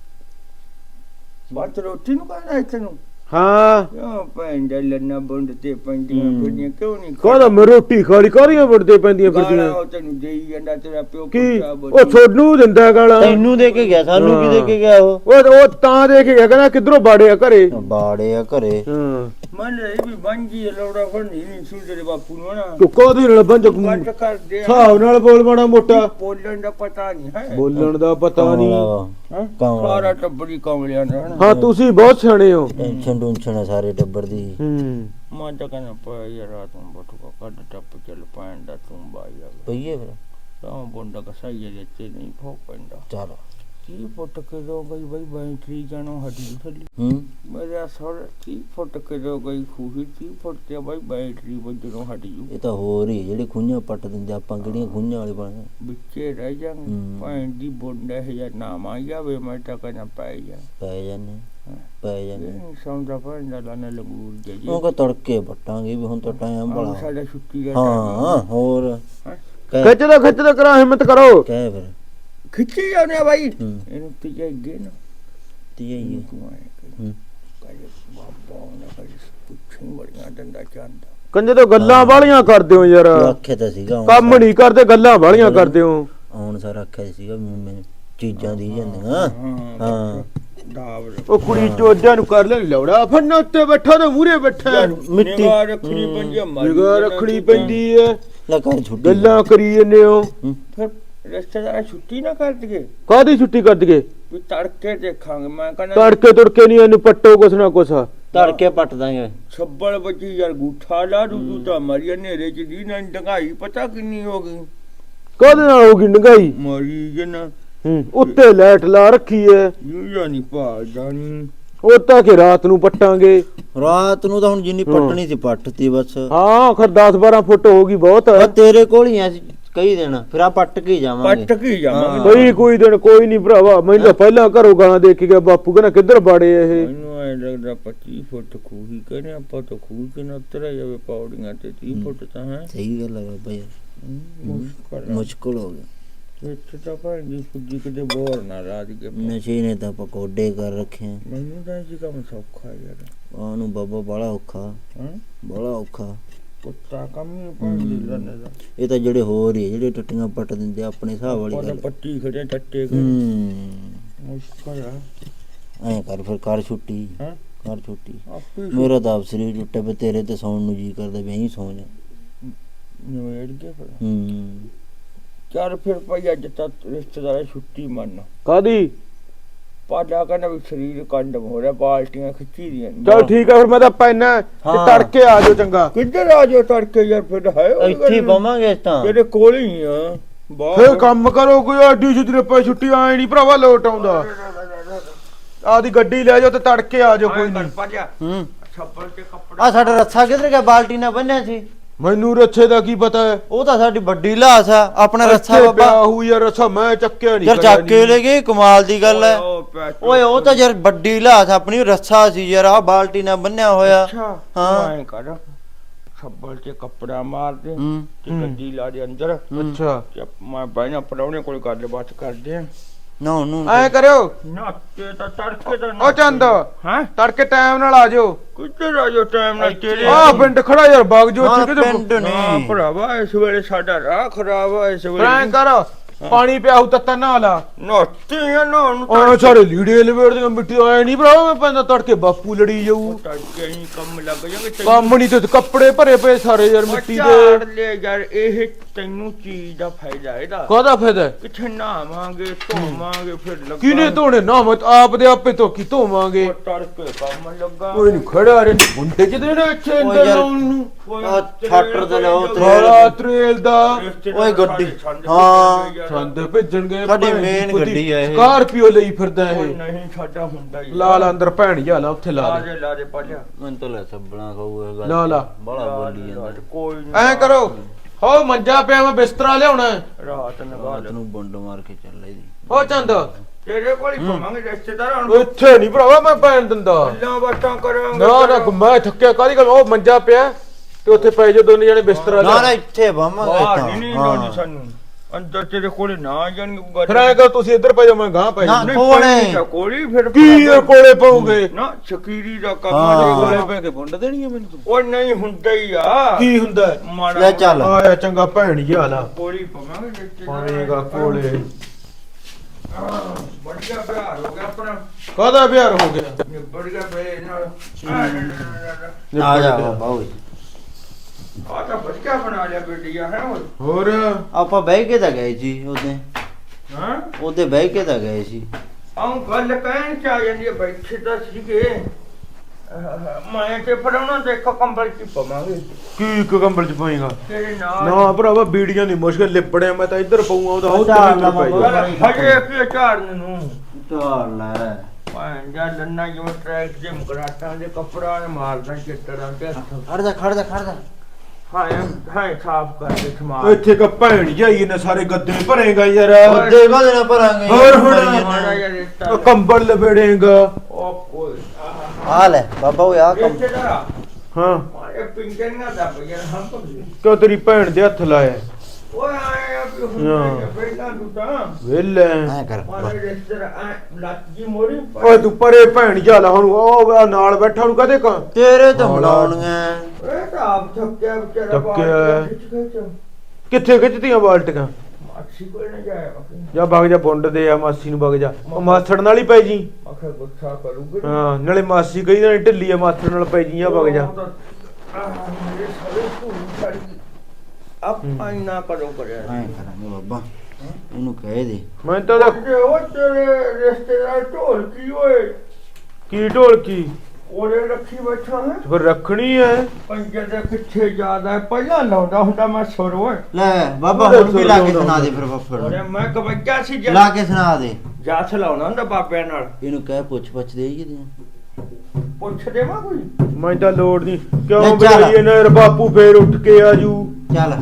A: ਬਾਤ ਰੋਟੀ ਨੂੰ ਕਹਿੰਦਾ ਇੱਥੇ ਨੂੰ
B: ਹਾਂ
A: ਕਿਉਂ ਭੈਣ ਦੇ ਲੱਨਾ ਬੁੰਡ ਤੇ ਪੈਂਦੀਆਂ ਫਿਰਦੀਆਂ ਕਿਉਂ ਨਹੀਂ
B: ਕਾਹਦਾ ਮੈਂ ਰੋਟੀ ਖਾਲੀ ਕਾਹਦੀਆਂ ਵੜਦੇ ਪੈਂਦੀਆਂ ਫਿਰਦੀਆਂ
A: ਉਹ ਤੈਨੂੰ ਦੇਈ ਜਾਂਦਾ ਤੇਰਾ ਪਿਓ
B: ਕੀ
A: ਪੁੱਛਾ
B: ਉਹ ਛੋਡੂ ਦਿੰਦਾ ਗਾਲਾਂ
C: ਤੈਨੂੰ ਦੇ ਕੇ ਗਿਆ ਸਾਨੂੰ ਕੀ ਦੇ ਕੇ ਗਿਆ ਉਹ
B: ਉਹ ਤਾਂ ਦੇਖ ਗਿਆ ਕਹਿੰਦਾ ਕਿਧਰੋਂ ਬਾੜਿਆ ਘਰੇ
C: ਬਾੜੇ ਆ ਘਰੇ
B: ਹਾਂ
A: ਮਨ ਰਹੀ ਵੀ ਬੰਜੀ ਲੋੜਾ ਫੜਨੀ ਨਹੀਂ ਸੂ ਤੇਰੇ ਬਾਪੂ ਨੂੰ ਨਾ
B: ਤੂੰ ਕਾਹਦੇ ਨਾਲ ਬੰਜ
A: ਕੱਟ ਕਰ ਦੇ
B: ਹਿਸਾਬ ਨਾਲ ਬੋਲ ਬਣਾ ਮੋਟਾ
A: ਬੋਲਣ ਦਾ ਪਤਾ ਨਹੀਂ ਹੈ
B: ਬੋਲਣ ਦਾ ਪਤਾ ਨਹੀਂ
A: ਹੈਂ?
C: ਕੌਣ
A: ਸਾਰਾ ਟੱਬਰੀ ਕਮਲਿਆਂ ਦਾ ਨਾ
B: ਹਾਂ ਤੁਸੀਂ ਬਹੁਤ ਸਿਆਣੇ ਹੋ
C: ਟੈਨਸ਼ਨ ਟੁਨਸ਼ਨ ਆ ਸਾਰੇ ਟੱਬਰ ਦੀ
B: ਹੂੰ
A: ਮੈਂ ਤਾਂ ਕਹਿੰਦਾ ਪਾ ਯਾਰ ਰਾਤ ਨੂੰ ਬਟੂਆ ਕੱਢ ਟੱਪ ਚੱਲ ਪੈਣ ਦਾ ਤੂੰ ਬਾਈ ਆ
C: ਪਈਏ ਫਿਰ
A: ਤਾਂ ਬੁੰਡਾ ਕਸਾਈ ਜੇ ਤੇ ਨਹੀਂ ਫੋਕ ਪੈਂਦਾ
C: ਚਲ
A: ਕੀ ਫੁੱਟ ਕੇ ਦੋ ਗਈ ਬਈ ਬੈਟਰੀ ਜਾਣੋ ਹੱਡੀ ਥੱਲੀ
C: ਹੂੰ
A: ਮੇਰਾ ਸਰ ਕੀ ਫੁੱਟ ਕੇ ਦੋ ਗਈ ਖੂਹੀ ਕੀ ਫੁੱਟ ਤੇ ਬਈ ਬੈਟਰੀ ਵੱਜਣੋਂ ਹਟ ਜੂ
C: ਇਹ ਤਾਂ ਹੋਰ ਹੀ ਜਿਹੜੇ ਖੁੰਝਾਂ ਪੱਟ ਦਿੰਦੇ ਆਪਾਂ ਕਿਹੜੀਆਂ ਖੁੰਝਾਂ ਵਾਲੇ ਬਣੇ
A: ਵਿੱਚੇ ਰਹਿ ਜਾਣ
C: ਹੂੰ।
A: ਭੈਣ ਦੀ ਬੁੰਡਾ ਹੈ ਜਾਂ ਨਾਮ ਆ ਜਾਵੇ ਮੈਂ ਤਾਂ ਕਹਿੰਦਾ ਪੈ ਜਾ
C: ਪੈ ਜਾਂਦੇ ਪੈ ਜਾਂਦੇ
A: ਇਹ ਸਮਝਾ ਭੈਣ ਦਾ ਲਾਣਾ ਲੰਗੂਰ ਜੇ
C: ਉਹ ਕਹ ਤੜਕੇ ਪੱਟਾਂਗੇ ਵੀ ਹੁਣ ਤਾਂ ਟਾਈਮ ਬੜਾ
A: ਸਾਡਾ ਛੁੱਟੀ ਦਾ
C: ਹਾਂ ਹੋਰ
A: ਹੈਂ?
B: ਖਿੱਚਦਾ ਕਰਾ ਹਿੰਮਤ ਕਰੋ
C: ਕਹਿ ਫਿਰ
A: ਖਿੱਚੀ ਜਾਂਦੇ ਆ ਬਾਈ
C: ਹੂੰ
A: ਇਹਨੂੰ ਤੀਜਾ ਅੱਗੇ ਨਾ
C: ਤੀਏ ਹੀ ਹੈ।
A: ਤੂੰ ਆਏ
C: ਹੂੰ
A: ਕਰੇ ਬਾਬਾ ਨਾ ਕਰੇ ਪੁੱਛੀ ਬੜੀਆਂ ਡੰਡਾ ਚੰਦਾ
B: ਕੰਜੇ ਤੋਂ ਗੱਲਾਂ ਵਾਲੀਆਂ ਕਰਦੇ ਹੋ ਯਾਰ
C: ਤੂੰ ਆਖਿਆ ਤਾਂ ਸੀਗਾ ਹੁਣ
B: ਕੰਮ ਨਹੀਂ ਕਰਦੇ ਗੱਲਾਂ ਵਾਲੀਆਂ ਕਰਦੇ ਹੋ
C: ਹੁਣ ਸਾਰਾ ਆਖਿਆ ਸੀਗਾ ਵੀ ਮੈਨੂੰ ਚੀਜ਼ਾਂ ਦੀ ਜਾਂਦੀਆਂ ਹਾਂ
A: ਦਾਵ
B: ਉਹ ਕੁੜੀ ਚੋਜਾਂ ਨੂੰ ਕਰ ਲੈ ਲੌੜਾ ਫੰਨਾ ਉੱਤੇ ਬੈਠਾ ਤੇ ਮੂਰੇ ਬੈਠਾ
C: ਮਿੱਟੀ
A: ਨਿਗਾਹ ਰੱਖਣੀ ਪੈਂਦੀ ਆ
B: ਨਿਗਾਹ ਰੱਖਣੀ ਪੈਂਦੀ ਐ
C: ਲੈ ਕਰ ਛੁੱਟੀ
B: ਗੱਲਾਂ ਕਰੀ ਜੰਨੇ ਹੋ
C: ਹੂੰ।
A: ਫਿਰ ਰਿਸ਼ਤੇਦਾਰ ਛੁੱਟੀ ਨਾ ਕਰ ਦਈਏ
B: ਕਾਹਦੀ ਛੁੱਟੀ ਕਰ ਦਈਏ
A: ਵੀ ਤੜਕੇ ਦੇਖਾਂਗੇ ਮੈਂ ਕਹਿੰਦਾ
B: ਤੜਕੇ ਤੁੜਕੇ ਨਹੀਂ ਇਹਨੂੰ ਪੱਟੋ ਕੁਛ ਨਾ ਕੁਛ
C: ਤੜਕੇ ਪੱਟ ਦਾਂਗੇ
A: ਛੱਬਲ ਬੱਜੀ ਯਾਰ ਗੂਠਾ ਲਾ ਦੂ ਤਾਂ ਮਰੀ ਹਨੇਰੇ ਚ ਦੀ ਨਾ ਡੰਗਾਈ ਪਤਾ ਕਿੰਨੀ ਹੋ ਗਈ
B: ਕਾਹਦੇ ਨਾਲ ਹੋਗੀ ਨਗਾਈ
A: ਮਰੀ ਜਨਾ
B: ਹੂੰ ਉੱਤੇ ਲਾਈਟ ਲਾ ਰੱਖੀ ਐ
A: ਯੂਆ ਨਹੀਂ ਪਾ ਜਾਣੀ
B: ਉਹ ਤਾਂ ਕਿ ਰਾਤ ਨੂੰ ਪੱਟਾਂਗੇ
C: ਰਾਤ ਨੂੰ ਤਾਂ ਹੁਣ ਜਿੰਨੀ ਪੱਟਣੀ ਸੀ ਪੱਟਤੀ ਬਸ
B: ਹਾਂ ਖਰ 10-12 ਫੁੱਟ ਹੋਗੀ ਬਹੁਤ
C: ਆ ਤੇਰੇ ਕੋਲ ਹੀ ਆ ਕਈ ਦਿਨ ਫਿਰ ਆ ਪੱਟ ਕੇ ਹੀ ਜਾਵਾਂਗੇ
A: ਪੱਟ ਕੀ ਜਾਵਾਂਗੇ
B: ਬਈ ਕੋਈ ਦਿਨ ਕੋਈ ਨਹੀਂ ਭਰਾਵਾ ਮੈਨੂੰ ਤਾਂ ਪਹਿਲਾਂ ਘਰੋਂ ਗਾਲਾਂ ਦੇ ਕੇ ਗਿਆ ਬਾਪੂ ਕਹਿੰਦਾ ਕਿੱਧਰ ਬਾੜੇ ਇਹ
A: ਮੈਨੂੰ ਐ ਲੱਗਦਾ 25 ਫੁੱਟ ਖੂਹੀ ਕਹਿੰਦੇ ਆਪਾਂ ਤਾਂ ਖੂਹ ਚ ਨਾ ਉਤਰਿਆ ਜਾਵੇ ਪੌੜੀਆਂ ਤੇ 30 ਫੁੱਟ ਤਾਂ ਹੈ
C: ਸਹੀ ਗੱਲ ਹੈ ਬਾਬਾ ਯਾਰ
A: ਮੁਸ਼ਕਲ
C: ਮੁਸ਼ਕਲ ਹੋ ਗਿਆ
A: ਇੱਥੇ ਤਾਂ ਭਾਂਜੀ ਫੁੱਜੀ ਕਿਤੇ ਬੋਰ ਨਾ ਰਾਜ ਕੇ
C: ਨਸ਼ੇ ਨੇ ਤਾਂ ਪਕੌੜੇ ਕਰ ਰੱਖੇ ਆ।
A: ਮੈਨੂੰ ਤਾਂ ਇਹ ਕੰਮ ਸੌਖਾ ਯਾਰ
C: ਉਹਨੂੰ ਬਾਬਾ ਬੜਾ ਔਖਾ
A: ਹਾਂ
C: ਬੜਾ ਔਖਾ
A: ਕੁੱਤਾ ਕੰਮ ਹੀ ਭਾਂਜੀ ਲੰਨੇ ਦਾ
C: ਇਹ ਤਾਂ ਜਿਹੜੇ ਹੋਰ ਹੀ ਆ, ਜਿਹੜੇ ਟੱਟੀਆਂ ਪੱਟ ਦਿੰਦੇ ਆ, ਆਪਣੇ ਹਿਸਾਬ ਵਾਲੀ
A: ਉਹਦਾ
C: ਗੱਲ
A: ਪੱਟੀ ਖੜੇ ਟੱਟੇ
C: ਹੂੰ
A: ਮੁਸ਼ਕਲ ਆ
C: ਐ ਕਰ ਫਿਰ ਕਰ ਛੁੱਟੀ
A: ਹਾਂ
C: ਕਰ ਛੁੱਟੀ
A: ਆਪੇ
C: ਮੇਰਾ ਤਾਂ ਆਪ ਸਰੀਰ ਟੁੱਟੇ ਪਏ ਤੇਰੇ ਤੇ ਸੌਣ ਨੂੰ ਜੀ ਕਰਦਾ ਵੀ ਐਂ ਸੌਂ ਜਾ
A: ਨਵੇੜ ਕੇ ਫਿਰ
C: ਹੂੰ
A: ਚੱਲ ਫਿਰ ਭਾਈ ਅੱਜ ਤਾਂ ਰਿਸ਼ਤੇਦਾਰ ਛੁੱਟੀ ਮੰਨ
B: ਕਾਦੀ
A: ਪਾਡਾ ਕਹਿੰਦਾ ਵੀ ਸਰੀਰ ਕੰਡਮ ਹੋ ਰਿਹਾ ਬਾਲਟੀਆਂ ਖਿੱਚੀ ਦੀਆਂ ਨੇ।
B: ਚਲ ਠੀਕ ਆ ਫਿਰ ਮੈਂ ਤਾਂ ਪੈਣਾ ਤੇ
C: ਹਾਂ।
B: ਤੜਕੇ ਆ ਜਾਓ ਚੰਗਾ
A: ਕਿੱਧਰ ਆ ਜਾਓ ਤੜਕੇ ਯਾਰ ਫਿਰ ਹੈ ਉਹ
C: ਇੱਥੇ ਹੀ
A: ਗੱਲ।
C: ਪਵਾਂਗੇ ਇਸ ਤਾਂ
A: ਤੇਰੇ ਕੋਲ ਹੀ ਆ ਬਾਹਰ
B: ਫੇਰ ਕੰਮ ਕਰੋ ਕੋਈ ਆਡੀ ਜਿੱਦਰੇ ਪੈ ਛੁੱਟੀ ਆਏ ਨਹੀਂ ਭਰਾਵਾ ਲੋਟ ਆਉਂਦਾ ਆਦੀ ਗੱਡੀ ਲੈ ਜਾਓ ਤੇ ਤੜਕੇ ਆ ਜਾਓ ਕੋਈ ਨਹੀਂ।
C: ਹੂੰ
A: ਛੱਪੜ ਤੇ ਕੱਪੜਾ
C: ਆ ਸਾਡਾ ਰੱਸਾ ਕਿੱਧਰ ਗਿਆ? ਬਾਲਟੀ ਨਾਲ ਬੰਨਿਆ ਸੀ।
B: ਮੈਨੂੰ ਰੱਛੇ ਦਾ ਕੀ ਪਤਾ ਹੈ?
C: ਉਹ ਤਾਂ ਸਾਡੀ ਵੱਡੀ ਲਾਸ ਆ। ਆਪਣਾ ਰੱਸਾ
B: ਇੱਥੇ
C: ਬਾਬਾ
B: ਪਿਆ ਹੋਊ ਯਾਰ ਰੱਛਾ, ਮੈਂ ਚੱਕਿਆ ਨਹੀਂ
C: ਯਾਰ ਚੱਕ ਕੇ ਲੈ ਗਏ, ਕਮਾਲ ਦੀ ਗੱਲ ਹੈ। ਓਏ ਉਹ ਤਾਂ ਯਾਰ ਵੱਡੀ ਲਾਸ ਆਪਣੀ ਰੱਸਾ ਸੀ ਯਾਰ, ਆ ਬਾਲਟੀ ਨਾਲ ਬੰਨਿਆ ਹੋਇਆ।
A: ਅੱਛਾ
C: ਹਾਂ।
A: ਮੈਂ ਕਰ ਛੱਪੜ ਤੇ ਕੱਪੜਾ ਮਾਰ ਦੇ
C: ਹੂੰ
A: ਤੇ ਗੱਡੀ ਲਾ ਦੇ ਅੰਦਰ
B: ਅੱਛਾ
A: ਤੇ ਮੈਂ ਬਹਿਣਾ ਪੜਾਉਣੇ ਕੋਲ ਗੱਲਬਾਤ ਕਰਦੇ ਆ।
C: ਨਾ ਉਹਨੂੰ
B: ਐ ਕਰਿਓ
A: ਨਾ ਤੇ ਤਾਂ ਤੜਕੇ ਦਾ
B: ਉਹ ਚੰਦ
A: ਹਾਂ
B: ਤੜਕੇ ਟਾਈਮ ਨਾਲ ਆ ਜਾਓ।
A: ਕਿੱਧਰ ਆ ਜੋ ਟਾਈਮ ਨਾਲ ਤੇਰੇ
B: ਆ ਪਿੰਡ ਖੜਾ ਯਾਰ ਬਾਗ ਜੋ
C: ਨਾ,
B: ਕਿਤੇ
C: ਪਿੰਡ ਨਹੀਂ।
A: ਭਰਾਵਾ ਇਸ ਵੇਲੇ ਸਾਡਾ ਰਾਹ ਖਰਾਬ ਆ ਇਸ
B: ਐ
A: ਵੇਲੇ
B: ਕਰ ਪਾਣੀ ਪਿਆ ਹੂ ਤੱਤਾ ਨਾ ਲਾ।
A: ਨੋਤੀ ਆ ਨਾ ਉਹਨੂੰ
B: ਆ ਸਾਰੇ ਲੀੜੇ ਲਵੇੜ ਦੇ ਮਿੱਟੀ ਆਏ ਨਹੀਂ ਭਰਾ, ਮੈਂ ਪੈਂਦਾ ਤੜਕੇ ਬਾਪੂ ਲੜੀ ਜਾਊ।
A: ਤੜਕੇ ਹੀ ਕੰਮ ਲੱਗ ਜਾਗੇ
B: ਕੰਮ ਨਹੀਂ ਤੇ ਕੱਪੜੇ ਭਰੇ ਪਏ ਸਾਰੇ ਯਾਰ ਮਿੱਟੀ
A: ਝਾੜ
B: ਦੇ।
A: ਲੈ ਯਾਰ ਇਹ ਤੈਨੂੰ ਚੀਜ਼ ਦਾ ਫਾਇਦਾ ਇਹਦਾ
B: ਕਾਹਦਾ ਫਾਇਦਾ?
A: ਕਿੱਥੇ ਨਹਾਵਾਂਗੇ ਧੋਵਾਂਗੇ ਫਿਰ ਲੱਗਾ
B: ਕਿਹਨੇ ਧੋਣੇ ਨਾ ਮਤ ਆਪ ਦੇ ਆਪੇ ਧੋ ਕੀ ਧੋਵਾਂਗੇ।
A: ਉਹ ਤੜਕੇ ਕੰਮ ਲੱਗਾ
B: ਕੋਈ ਨਹੀਂ ਖੜਾ ਰੇ ਮੁੰਡੇ ਚ ਦੇਣਾ ਇੱਥੇ
C: ਓਏ
B: ਅੰਦਰ
C: ਯਾਰ,
B: ਲਾਉਣ ਨੂੰ।
C: ਆ ਛੱਟਰ ਤੇ ਲਾਓ ਤੇ
B: ਸਾਰਾ ਤਰੇਲ ਦਾ
C: ਓਏ ਗੱਡੀ। ਹਾਂ।
B: ਸੰਦ ਭੇਜਣਗੇ।
C: ਸਾਡੀ main ਗੱਡੀ ਆ ਇਹ।
B: ਸਕਾਰਪੀਓ ਲਈ ਫਿਰਦਾ
A: ਉਹ
B: ਇਹ।
A: ਨਹੀਂ ਸਾਡਾ ਹੁੰਦਾ ਹੀ
B: ਲਾ ਲਾ ਅੰਦਰ ਭੈਣ ਜਾ ਲਾ ਉੱਥੇ ਲਾ ਦੇ।
A: ਲਾ ਦੇ ਪਾਲਿਆ
C: ਮੈਨੂੰ ਤਾਂ ਲੈ ਸੱਬਣਾ ਖਾਊਗਾ ਗੱਲ।
B: ਲਾ ਲਾ।
C: ਬੜਾ ਬੋਲੀ ਜਾਂਦਾ।
A: ਕੋਈ ਨੀ।
B: ਐ ਕਰੋ ਹੋ ਮੰਜਾ ਪਿਆ ਮੈਂ ਬਿਸਤਰਾ ਲਿਆਉਣਾ।
A: ਰਾਤ ਨਗਾ
C: ਰਾਤ ਨੂੰ ਬੰਡ ਮਾਰ ਕੇ ਚੱਲ ਇਹਦੀ।
B: ਹੋ ਚੰਦ
A: ਤੇਰੇ ਕੋਲ ਹੀ ਘੁੰਮਾਂਗੇ ਰਿਸ਼ਤੇਦਾਰ ਹੁਣ
B: ਇੱਥੇ ਨਹੀਂ ਭਰਾਵਾ ਮੈਂ ਭੈਣ ਦਿੰਦਾ।
A: ਗੱਲਾਂ ਬਾਤਾਂ ਕਰਾਂਗੇ
B: ਨਾ ਨਾ ਮੈਂ ਥੱਕਿਆ ਕਾਹਦੀ ਗੱਲ। ਉਹ ਮੰਜਾ ਪਿਆ ਤੇ ਉੱਥੇ ਪੈ ਜਾ ਦੋਨੇ ਜਣੇ ਬਿਸਤਰਾ
C: ਨਾ ਨਾ
B: ਲਿਆ।
C: ਇੱਥੇ ਬਾਵਾਂਗੇ
A: ਬਾਹਰ
C: ਤਾਂ।
A: ਨਹੀਂ
C: ਹਾਂ।
A: ਲਾਉਣੀ ਸਾਨੂੰ ਅੰਦਰ ਤੇਰੇ ਕੋਲ ਨਾ ਜਾਣਗੇ
B: ਫਿਰ ਐ ਕਰ ਤੁਸੀਂ ਇੱਧਰ ਪੈ ਜਾ ਮੈਂ ਗਾਂ ਪੈ
C: ਨਾ,
B: ਜਾ।
C: ਕੋਲੇ।
A: ਕੋਲੀ ਫਿਰ
B: ਕੀ ਇਹ ਕੋਲੇ ਪਾਉਂਗੇ?
A: ਨਾ ਸ਼ਕੀਰੀ ਦਾ ਕੰਮ
C: ਹਾਂ।
A: ਆ
B: ਕੋਲੇ ਪੈ ਕੇ ਵੰਡ ਦੇਣੀ ਹੈ ਮੈਨੂੰ ਤੂੰ।
A: ਉਹ ਨਹੀਂ ਹੁੰਦਾ ਹੀ ਆ
B: ਕੀ ਹੁੰਦਾ ਹੈ?
A: ਮਾੜਾ
C: ਲੈ ਚੱਲ।
B: ਆਇਆ ਚੰਗਾ ਭੈਣ ਜੀ ਹਾਲਾ
A: ਕੋਲੀ ਪਵਾਂਗੇ ਰਿਸ਼ਤੇਦਾਰ
B: ਪਾਏਗਾ ਕੋਲੇ।
A: ਵਧੀਆ ਪਿਆਰ ਹੋ ਗਿਆ ਆਪਣਾ
B: ਕਾਹਦਾ ਪਿਆਰ ਹੋ ਗਿਆ?
A: ਨਿਬੜ ਗਿਆ ਬੇ ਨਾਲ
C: ਆ ਜਾ ਬਾਬਾ ਓਏ।
A: ਆ ਤਾਂ ਵਧੀਆ ਬਣਾ ਲਿਆ ਬੇਟੀਆ ਹੈ
B: ਹੋਰ
C: ਆਪਾਂ ਬਹਿ ਕੇ ਤਾਂ ਗਏ ਸੀ ਉਹਦੇ।
A: ਹਾਂ
C: ਉਹਦੇ ਬਹਿ ਕੇ ਤਾਂ ਗਏ ਸੀ।
A: ਆਉਂ ਗੱਲ ਕਹਿਣ ਚ ਆ ਜਾਂਦੀ ਹੈ ਬੈਠੇ ਤਾਂ ਸੀਗੇ ਮੈਂ ਤੇ ਫੜਾਉਣਾ ਦੇਖੋ ਕੰਬਲ ਚ ਪਵਾਂਗੇ
B: ਕੀ ਇੱਕ ਕੰਬਲ ਚ ਪਾਏਗਾ?
A: ਤੇਰੇ ਨਾਲ
B: ਨਾ ਭਰਾਵਾ ਬੀੜੀਆਂ ਦੀ ਮੁਸ਼ਕਲ ਲਿਪੜਿਆ ਮੈਂ ਤਾਂ ਇੱਧਰ ਪਊਂਗਾ ਉਹਦਾ ਹੋਰ
C: ਝਾੜ
B: ਤੇ
C: ਲਾ
B: ਪੈ
C: ਬਾਬਾ।
B: ਜਾ।
A: ਹਜੇ ਕੀ ਝਾੜਨ ਨੂੰ
C: ਚੱਲ ਲੈ।
A: ਭਾਂ ਜਾ ਲੰਨਾ ਜਿਵੇਂ ਟਰੈਕ ਦੇ ਮਕਰਾਟਾਂ ਦੇ ਕੱਪੜਾ ਨੇ ਮਾਰਦਾ ਚਿੱਟੜਾਂ ਤੇ ਹੱਥ
C: ਖੜ ਜਾ ਖੜ ਜਾ ਖੜ ਜਾ।
A: ਹਾਂ ਸਾਫ ਕਰਕੇ ਸਮਾਨ
B: ਇੱਥੇ ਕ ਭੈਣ ਜਾਈ ਨੇ ਸਾਰੇ ਗੱਦੇ ਭਰੇਗਾ ਯਾਰ।
C: ਉਹਦੇ ਬਾਅਦ ਨਾ ਭਰਾਂਗੇ।
B: ਹੋਰ ਹੁਣ
A: ਮਾੜਾ ਜਿਹਾ ਰਿਸ਼ਤਾ
B: ਉਹ ਕੰਬਲ ਲਪੇੜੇਗਾ।
A: ਉਹ ਕੋਈ
C: ਆ ਲੈ ਬਾਬਾ ਓਏ ਆ ਕੰਮ।
A: ਰਿਸ਼ਤੇਦਾਰ
B: ਹਾਂ
A: ਇਹ ਪਿੰਗਣੀਆਂ ਦਾ ਬਈਆ ਹਮ ਤੋਂ
B: ਕਿਉਂ ਤੇਰੀ ਭੈਣ ਦੇ ਹੱਥ ਲਾਇਆ?
A: ਓਏ ਆਏ ਆ ਵੀ ਹੁਣ ਪਹਿਲਾਂ ਤੂੰ ਤਾਂ
B: ਵੇਲੇ
C: ਐ ਕਰ
A: ਮਾਰੇ ਰਿਸ਼ਤੇਦਾਰ ਲੱਤ ਜੀ ਮੋਰੀ
B: ਓਏ ਤੂੰ ਪਰੇ ਭੈਣ ਜਾ ਲਾ ਹੁਣ। ਉਹ ਨਾਲ ਬੈਠਾ ਨੂੰ ਕਦੇ ਕਾਂ
C: ਤੇਰੇ ਤੋਂ ਮਲਾਉਣੀਆਂ।
A: ਇਹ ਤਾਂ ਆਪ ਥੱਕਿਆ ਵਿਚਾਰਾ
B: ਥੱਕਿਆ।
A: ਖਿੱਚ
B: ਕਿੱਥੇ ਖਿੱਚਦੀਆਂ ਬਾਲਟੀਆਂ?
A: ਮਾਛੀ ਕੋਲ ਨਾ ਜਾਇਆ
B: ਜਾ ਵਗ ਜਾ ਬੁੰਡ ਦੇ ਆ ਮਾਸੀ ਨੂੰ ਵਗ ਜਾ। ਉਹ ਮਾਸੜ ਨਾਲ ਹੀ ਪੈ ਜੀ।
A: ਮੱਖੇ ਗੁੱਸਾ ਕਰੂਗੀ
B: ਹਾਂ ਨਾਲੇ ਮਾਸੀ ਕਹੀ ਨਾ ਢਿੱਲੀ ਆ ਮਾਸੜ ਨਾਲ ਪੈ ਜੀ। ਆ ਵਗ ਜਾ।
A: ਮੇਰੇ ਸਾਰੇ ਧੂੜ ਛੱਡ ਆਪਾਂ ਹੀ ਨਾ ਕਰੋ ਕਰਿਆ
C: ਐ ਕਰਾਂਗੇ ਬਾਬਾ। ਇਹਨੂੰ ਕਹਿ ਦੇ।
B: ਮੈਂ ਤਾਂ ਉਹਦਾ
A: ਜੇ ਉਹ ਤੇਰੇ ਰਿਸ਼ਤੇਦਾਰ ਢੋਲ ਕੀ ਓਏ
B: ਕੀ ਢੋਲਕੀ
A: ਉਹਦੇ ਰੱਖੀ ਬੈਠਾ ਹੈ
B: ਫਿਰ ਰੱਖਣੀ ਐ।
A: ਪੰਜੇ ਦੇ ਪਿੱਛੇ ਜ਼ਿਆਦਾ ਹੈ। ਪਹਿਲਾਂ ਲਾਉਂਦਾ ਹੁੰਦਾ ਮੈਂ ਸੁਰ ਓਏ
C: ਲੈ ਬਾਬਾ ਹੁਣ ਵੀ ਲਾ ਕੇ ਸੁਣਾ ਦੇ ਫਿਰ ਬੱਫੜ
A: ਉਹਨੇ
C: ਨੂੰ।
A: ਮੈਂ ਕਵੱਜਾ ਸੀ
C: ਲਾ ਕੇ ਸੁਣਾ ਦੇ।
A: ਜਾਥ ਲਾਉਣਾ ਹੁੰਦਾ ਬਾਬਿਆਂ ਨਾਲ
C: ਇਹਨੂੰ ਕਹਿ ਪੁੱਛ ਪੁੱਛ ਦੇ ਹੀ ਦੇ।
A: ਪੁੱਛ ਦੇਵਾਂ ਕੋਈ
B: ਮੈਂ ਤਾਂ ਲੋੜ ਨਹੀਂ ਕਿਉਂ
C: ਲੈ ਚੱਲ।
B: ਬਈ ਇਹਨਾਂ ਬਾਪੂ ਫੇਰ ਉੱਠ ਕੇ ਆਜੂ।
C: ਚੱਲ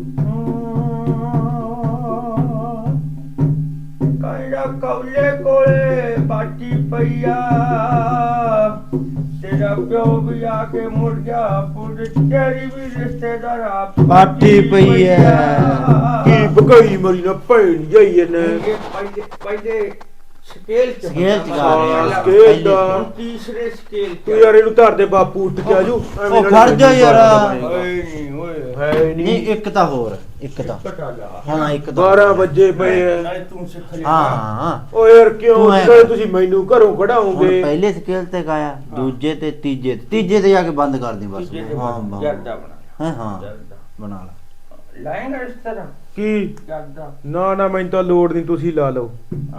A: ਕਾਇਦਾ ਕੌਲੇ ਕੋਲੇ ਬਾਟੀ ਪਈਆ ਤੇਰਾ ਪਿਓ ਵੀ ਆ ਕੇ ਮੁੜ ਗਿਆ ਪੁੱਤ ਤੇਰੀ ਵੀ ਰਿਸ਼ਤੇਦਾਰ ਆ
C: ਬਾਟੀ ਪਈ ਐ।
B: ਕੀ ਬਕਈ ਮਰੀ ਨਾ ਭੈਣ ਜਾਈ ਇਹਨੇ।
A: ਪਹਿਲੇ ਸਕੇਲ ਚ
C: ਸਕੇਲ ਚ ਗਾ
B: ਹਾਂ,
C: ਰਿਹਾ।
B: ਸਕੇਲ ਦਾ।
A: ਹੁਣ ਤੀਸਰੇ ਸਕੇਲ
B: ਤੂੰ ਯਾਰ ਇਹਨੂੰ ਧਰ ਦੇ ਬਾਪੂ ਉੱਠ ਕੇ ਆਜੂ।
C: ਉਹ ਖੜ ਜਾ ਯਾਰ।
A: ਓਏ ਨਹੀਂ ਓਏ
B: ਹੈ
C: ਨਹੀਂ
B: ਨਹੀਂ
C: ਇੱਕ ਤਾਂ ਹੋਰ ਇੱਕ ਤਾਂ
A: ਪਟਾ ਲਾ
C: ਹਾਂ ਇੱਕ ਤਾਂ
B: 12 ਵਜੇ ਪਏ ਐ।
A: ਨਾਲੇ ਤੂੰ ਸਿੱਖ ਲਿਆ
C: ਹਾਂ।
B: ਓ ਯਾਰ ਕਿਉਂ
C: ਤੂੰ ਐਂ
B: ਕਹੇ
C: ਕਰ।
B: ਤੁਸੀਂ ਮੈਨੂੰ ਘਰੋਂ
C: ਹੁਣ
B: ਕਢਾਓਗੇ?
C: ਪਹਿਲੇ ਸਕੇਲ ਤੇ ਗਾਇਆ ਦੂਜੇ ਤੇ ਤੀਜੇ ਤੇ ਜਾ ਕੇ ਬੰਦ ਕਰ ਦੇ ਬਸ।
A: ਤੀਜੇ ਤੇ
C: ਹਾਂ
A: ਬੰਦ,
C: ਹਾਂ
A: ਜਰਦਾ ਬਣਾ
C: ਹੈਂ, ਹਾਂ
A: ਜਰਦਾ
C: ਬਣਾ ਲਾ।
A: ਲਾਏਂਗਾ ਇਸ ਤਰ੍ਹਾਂ
B: ਕੀ
A: ਜਰਦਾ
B: ਨਾ ਨਾ ਮੈਨੂੰ ਤਾਂ ਲੋੜ ਨਹੀਂ ਤੁਸੀਂ ਲਾ ਲਓ।